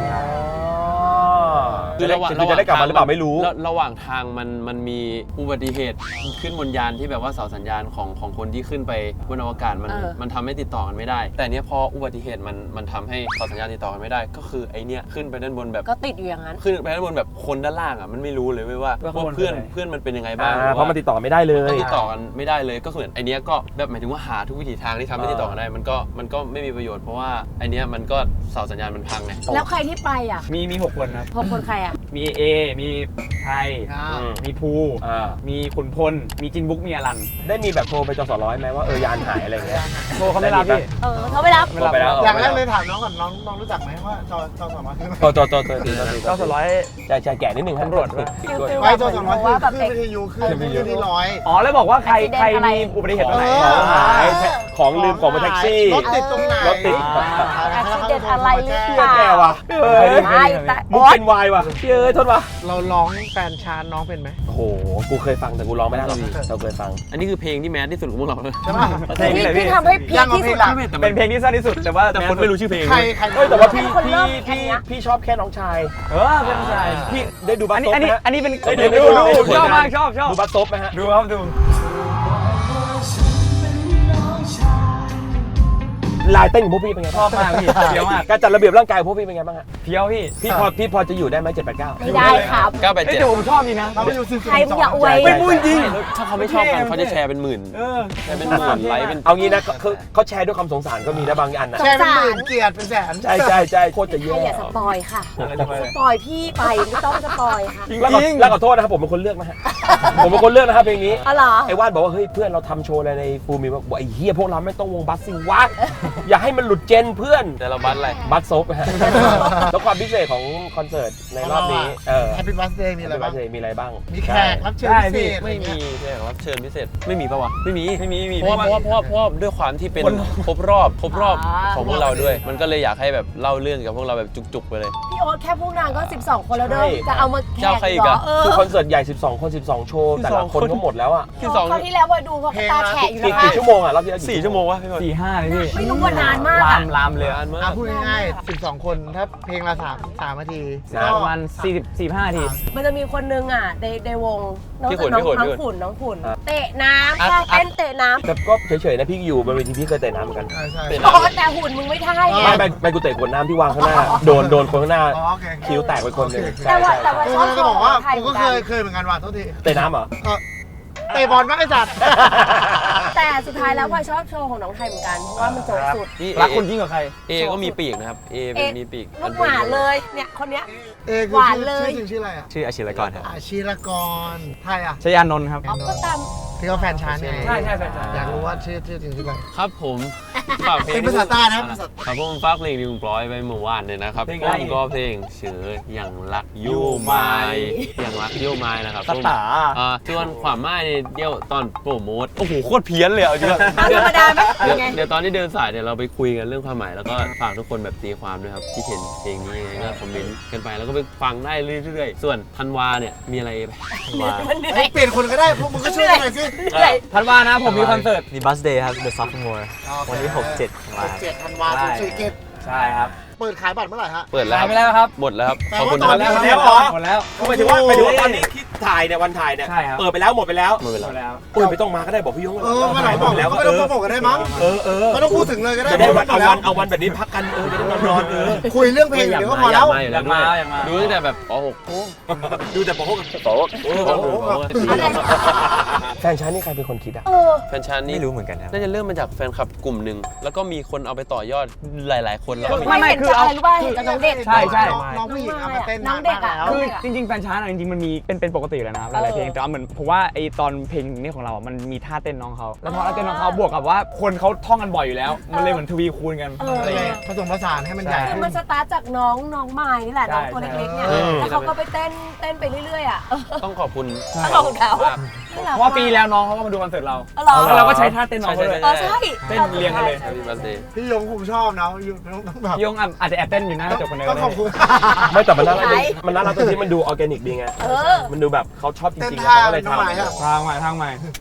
Speaker 1: คือจะได้กลับมาหรือเปล่าไม่รู้
Speaker 3: ระหว่างทางมันมีอุบัติเหตุขึ้นบนยานที่แบบว่าเสาสัญญาณของคนที่ขึ้นไปบนอวกาศมันทำให้ติดต่อกันไม่ได้ แต่เนี้ยพออุบัติเหตุมันทำให้เสาสัญญาณติดต่อกันไม่ได้ ก็คือไอเนี้ยขึ้นไปด้านบนแบบ
Speaker 4: ก็ติดอยู่อย่างนั้น
Speaker 3: ขึ้นไปด้านบนแบบคนด้านล่างอ่ะมันไม่รู้เลยเว้ยว่าเพื่อนมันเป็นยังไงบ้าง
Speaker 1: เพราะมันติดต่อไม่ได้เลย
Speaker 3: ติดต่อกันไม่ได้เลยก็คือไอเนี้ยก็แบบหมายถึงว่าหาทุกวิถีทางที่ทำให้ติดต่อกันได้มันก็ไม่มีประโยชน์เพราะว่าไอเนี้ยมันก็เสาสัญญาณมันพังไง
Speaker 4: แล้วใครที่ไปอ่ะ
Speaker 2: มี6คนครับ
Speaker 4: พอคนใครอ่ะ
Speaker 2: มีเอมีไทย มีภู มีขุนพล มีจินบุ๊ก มีอลัน
Speaker 1: ได้มีแบบโทรไปจสร้อยไหมว่ายานหายอะไรอย่างเงี้ย
Speaker 2: โทรเขาไม่รับพี่
Speaker 4: เขาไม่รับ
Speaker 1: โทรไปแล้ว
Speaker 5: อย่างแรกเลยถามน้องก่อนน้องรู้จักไหมว่าจอสามารถ
Speaker 2: เจ้าสร้อย
Speaker 1: ใช่แก่นิดนึง
Speaker 2: ตำรวจด้วย
Speaker 5: ไปจอสามารถขึ้นวิทยุขึ้นที่ร้อย
Speaker 2: อ๋อ แล้วบอกว่าใครมีอุบัติเหตุตรงไหน
Speaker 1: หายของลืมของบนแท็กซี่
Speaker 5: รถติดตรงไหน
Speaker 1: รถติด
Speaker 4: accident อะไรหรือเปล่า
Speaker 1: แก่ว่ะ
Speaker 4: ไม่แต่
Speaker 1: มุกเป็นวายว่ะเฮ้ยโทษว่ะ
Speaker 5: เราร้องแฟนชานน้องเป็นไหม
Speaker 1: โอ้โหกูเคยฟังแต่กูร้องไม่ได้หรอกเราเคยฟัง
Speaker 3: อันนี้คือเพลงที่แมสที่สุดของพวกเราเลย
Speaker 5: ใช่ป่ะ
Speaker 2: เพลงนี้เลยพี่
Speaker 4: ที่ทำให้พีคที่สุดอะ
Speaker 2: เป็นเพลงที่สั้นที่สุด แต่ว่า
Speaker 3: แต่คนไม่รู้ชื่อเพลง
Speaker 5: ใคร
Speaker 1: เฮ้ยแต่ว่าพี่
Speaker 4: คนเริ่มแค่เนี้ย
Speaker 1: พี่ชอบแค่น้องชาย
Speaker 2: เป็นผู้ชาย
Speaker 1: พี่ได้ดูบัส
Speaker 2: อัน
Speaker 1: ซ
Speaker 2: นี้
Speaker 1: บไหมฮะ
Speaker 2: อันนี้เป็น
Speaker 1: เฮ้ยเดี๋ยว
Speaker 2: ดูชอบมากชอบ
Speaker 1: ดูบัสซบไหมฮะ
Speaker 2: ดูครับดู
Speaker 1: ลายเต้นของพวกพี่เป็นไง
Speaker 2: ชอบมากพี่เพี้ยวมาก
Speaker 1: การจัดระเบียบร่างกายของพวกพี่เป็นไงบ้างฮะ
Speaker 2: เพี้ยวพี่
Speaker 1: พี่พอจะอยู่ได้ไหม789
Speaker 4: ไม่ได้ครับ
Speaker 3: 987
Speaker 2: เฮ้ยแต่ผมชอบจริงนะ
Speaker 5: เราไปอยู่สิบ
Speaker 4: ใครมึงอย่าอวย
Speaker 1: ไม่พูดจริง
Speaker 3: ถ้าเขาไม่ชอบกันเขาจะแชร์เป็นหมื่นแชร์เป็นหมื่นไลค์เป็น
Speaker 1: เอางี้นะเขาแชร์ด้วยความสงสารก็มีนะบางอันนะ
Speaker 5: แชร์เป็นหมื่นเกียรติเป็นแสน
Speaker 1: ใช่โคตรจะ
Speaker 4: ใคร
Speaker 1: แย่
Speaker 4: อย่าสปอยค่ะ สปอยพี่ไปไม่ต้องสปอยค่ะ
Speaker 1: แล้วขอโทษนะครับผมเป็นคนเลือกนะฮะผมเป็นคนเลือกนะครับเพลงนี้
Speaker 4: อ๋อเหรอ
Speaker 1: ไอ้ว่านบอกว่าเฮ้ยเพื่อนเราทำโชว์อะไรในฟูมิบอกไอ้เฮียพวกเราไม่ต้องวงบัสสิวะอย่าให้มันหลุดเจนเพื่อน
Speaker 3: แต่เราบัสอะไร
Speaker 1: บัสซบฮะแล้วความพิเศษของคอนเสิร์ตในรอบนี้
Speaker 5: แฮปปี้บัสเดย์มีอะไรบ้าง
Speaker 1: มีอะไรบ้าง
Speaker 5: มีแขกรับเชิญพิเศษ
Speaker 3: ไม่มีแขกรับเชิญพิเศษไม่มีปะวะไม่มี
Speaker 2: มี
Speaker 3: เพราะว่าด้วยความที่เป็นครบรอบของพวกเราด้วย มันก็เลยอยากให้แบบเล่าเรื่องกับพวกเราแบบจุกๆไปเลย
Speaker 4: พี่โอ๊ตแค่พวกนางก็ 12 คนแล้วเด้อจะเอามาแข่
Speaker 3: เจ้าง ใครอีก
Speaker 4: เหร
Speaker 3: อะ
Speaker 4: อ
Speaker 1: คือคอนเสิร์ตใหญ่12คน12โชว์แต่ละคนก็หมดแล้วอ่ะ
Speaker 3: ที่สอง
Speaker 4: คราวที่แล้วพอดูพอตาแฉะอยู่นะคะ
Speaker 1: กี่ชั่วโมงอ่ะรอบที่แล้ว
Speaker 3: 4 ชั่วโมงวะพี่บอล
Speaker 2: 4-5เลยพี่
Speaker 4: ไม่รู้ว่านานมาก
Speaker 2: ลามเลย
Speaker 3: นานมาก
Speaker 5: พูดง่ายๆ12 คนถ้าเพลงละ3 นาที
Speaker 2: ประมาณ45 นาที
Speaker 4: มันจะมีคนนึงอ่ะในวงน้อง
Speaker 3: พี่ขุน
Speaker 4: น้องขุนเตะน้ำค่ะเต้นเตะน้ำ
Speaker 1: แต่ก็เฉยๆนะพี่อยู่บนเวทีพี่เคยเตะน้ำเหมือนกัน
Speaker 5: ใช่
Speaker 4: โอ้แต่หุ่นมึงไม่ได้ไง
Speaker 1: ไม่กูเตะขวดน้ำที่วางข้างหน้าโดนคนข้างหน้า
Speaker 5: โอเค
Speaker 1: คิ้วแตกไปคนหนึง
Speaker 4: แต่ว่าชอบ
Speaker 5: จะบอกว่า
Speaker 4: ไทย
Speaker 5: กูก็เคยเหมือนกันว่ะโทษที
Speaker 1: เตะน้ำเหรอ
Speaker 5: เตะบอลมากไอ้สัตว์
Speaker 4: แต่สุดท้ายแล้วพลอยชอบโชว์ของน้องไทยเหมือนกันเพราะว่ามันโจบสุด
Speaker 3: นี่
Speaker 2: รักคุณยิ่งกว่าใคร
Speaker 3: เอก็มีปีกนะครับเอมีปีก
Speaker 4: ลูกหมาเลยเนี่ยคนเนี้ย
Speaker 5: คือ
Speaker 4: หวานเลย
Speaker 5: ชื่อจริงชื่ออะไรอ่ะ
Speaker 6: ชื่ออาชิรกรครับ
Speaker 5: อาชีรกรไทยอ่ะ
Speaker 2: ชยานนท์ครับ
Speaker 4: เอาก็ตาม
Speaker 5: ที่เขาแฟนชานไง
Speaker 2: ใช่แฟนชาน
Speaker 5: อยากรู้ว่าชื่อจริงชื่ออะไร
Speaker 3: ครับผมฝากเพลง
Speaker 5: เป็นภาษาใต้นะภาษา
Speaker 3: ครับผมฝากเพลงที่ผมปล่อยไปเมื่อวานเลยนะครับผมก็เพลงชื่ออย่างรักยู่ไม้อย่างรักยู่ไม้นะครับ
Speaker 2: สตา
Speaker 3: ส่วนความหมายเนี่ยเดี๋ยวตอนโปรโมทโอ้โหโคตรเพี้ยนเลยเอาจริง
Speaker 4: ธรรมดาไหมยังไง
Speaker 3: เดี๋ยวตอนที่เดินสายเดี๋ยวเราไปคุยกันเรื่องความหมายแล้วก็ฝากทุกคนแบบตีความด้วยครับที่เห็นเพลงนี้ยังไงก็คอมเมนต์กันไปแล้วก็ไปฟังได้เรื่อยๆส่วนธันวาเนี่ยมีอะไรไป
Speaker 4: มันเหนื่อ
Speaker 5: เฮ้
Speaker 4: ย
Speaker 5: ยเปลี่ยนคนก็ได้พวกมึงก็ช่วยกันหน่อยสิ
Speaker 4: เหนื่อย
Speaker 2: ธันวานะผมมีคอนเสิร์ต
Speaker 6: มีบัสเดย์ครับ The Sophomore วันที่6-7มา
Speaker 5: 7 ธันวาคม4 เกต
Speaker 2: ใช่ครับ
Speaker 5: เปิดขายบัตรเมื่อไหร่ฮะ
Speaker 3: เปิดแล้ว
Speaker 2: ขายไปแล้วครับ
Speaker 3: หมดแล้วครับ
Speaker 5: แต่
Speaker 3: ขอบ
Speaker 5: ว่า
Speaker 3: คุณ
Speaker 5: ตอน
Speaker 3: นะครับ
Speaker 5: นี้
Speaker 2: หมดแล้ว
Speaker 1: หมายถึงว่าตอนนี้ถ่ายเนี่ยวันถ่ายเนี่ย
Speaker 2: ใช่ครับ
Speaker 1: เปิดไปแล้วหมดไปแล้ว
Speaker 3: หมดเวลา
Speaker 2: แล้ว
Speaker 1: โอ้ยไม่ต้องมาก็ได้บอกพี่ยง
Speaker 5: มาไหนบอกแล้วก็ไม่ต้องโปรโมทกันได้มั้ง
Speaker 1: เออ
Speaker 5: ไม่ต้องพูดถึงเลยก็ได้
Speaker 1: จะได้วัน
Speaker 5: หมดแล้ว
Speaker 1: เอาวันแบบนี้พักกันจะได้นอน
Speaker 5: คุยเรื่องเพลงเดี๋ยวก็พอแล้ว
Speaker 3: อยากมาอยากมาดูตั้งแต่แบบป .6 โอ้
Speaker 1: ดูแต่บอกว่า แฟนฉันนี่ใครเป็นคนคิดอ่ะ
Speaker 3: แฟนฉันนี่
Speaker 6: ไม่รู้เหมือนกันครับ
Speaker 3: น่าจะเริ่มมาจากแฟนคลับกลุ่มหนึ่งแล้วก็มีคนเอาไปต่อยอดหลาย ๆ คนแล้วก็มี
Speaker 4: ไม่เห็นจากอะไรรู้ป่ะเห็นจากน้องเด็ก
Speaker 2: ใช่ใช่
Speaker 5: น้องผู้หญิงเอามาเต้น
Speaker 4: น้องเด็กอะ
Speaker 5: แล้ว
Speaker 2: คือจริงๆแฟนชาร์จจริงๆมันมีเป็นปกติแล้วนะครับหลายๆเพลงแต่ว่าเหมือนผมว่าไอตอนเพลงนี้ของเราอ่ะมันมีท่าเต้นน้องเขาแล้วพอท่าเต้นน้องเขาบวกกับว่าคนเขาท่องกันบ่อยอยู่แล้ว มันเลยเหมือนทวีคูณกันอะไรอย่างเงี้ย
Speaker 5: ผสมผสานให้มันใหญ่
Speaker 4: คือมันสตาร์ทจากน้องไม้นี่แหละน้องตัวเล็กๆเนี่ยแล้วเขาก็ไปเต้นไปเรื่อยๆอ่ะ
Speaker 3: ต้องขอบคุณ
Speaker 4: ขอบคุณเขา
Speaker 3: มาก
Speaker 2: เพราะว่าปีแล้วน้องเขาก็มาดูคอนเสิร์ตเรา
Speaker 4: หรอ
Speaker 2: แล้วเราก็ใช้ท่าเต้นน้องเขาเลย
Speaker 4: ใช่
Speaker 2: เต้นเรียงกันเลย
Speaker 3: Happy birthday
Speaker 5: พี่ยงผมชอบนะต้องแบบ
Speaker 2: พี่ยงอาจจะแอบเต้นอยู่หน้ากระจกคนเดียว
Speaker 5: ต้องขอบคุณ
Speaker 1: ไม่แต่มันน่ารักดีมันน่ารักตรงที่มันดูออร์แกนิกดีไง มันดูแบบเขาชอบจ
Speaker 5: เต้น
Speaker 1: ริงๆ
Speaker 5: ท่า
Speaker 1: เขาก็เลย
Speaker 5: น้อง
Speaker 1: ทำ
Speaker 5: ไม้อะ
Speaker 2: ทางใหม่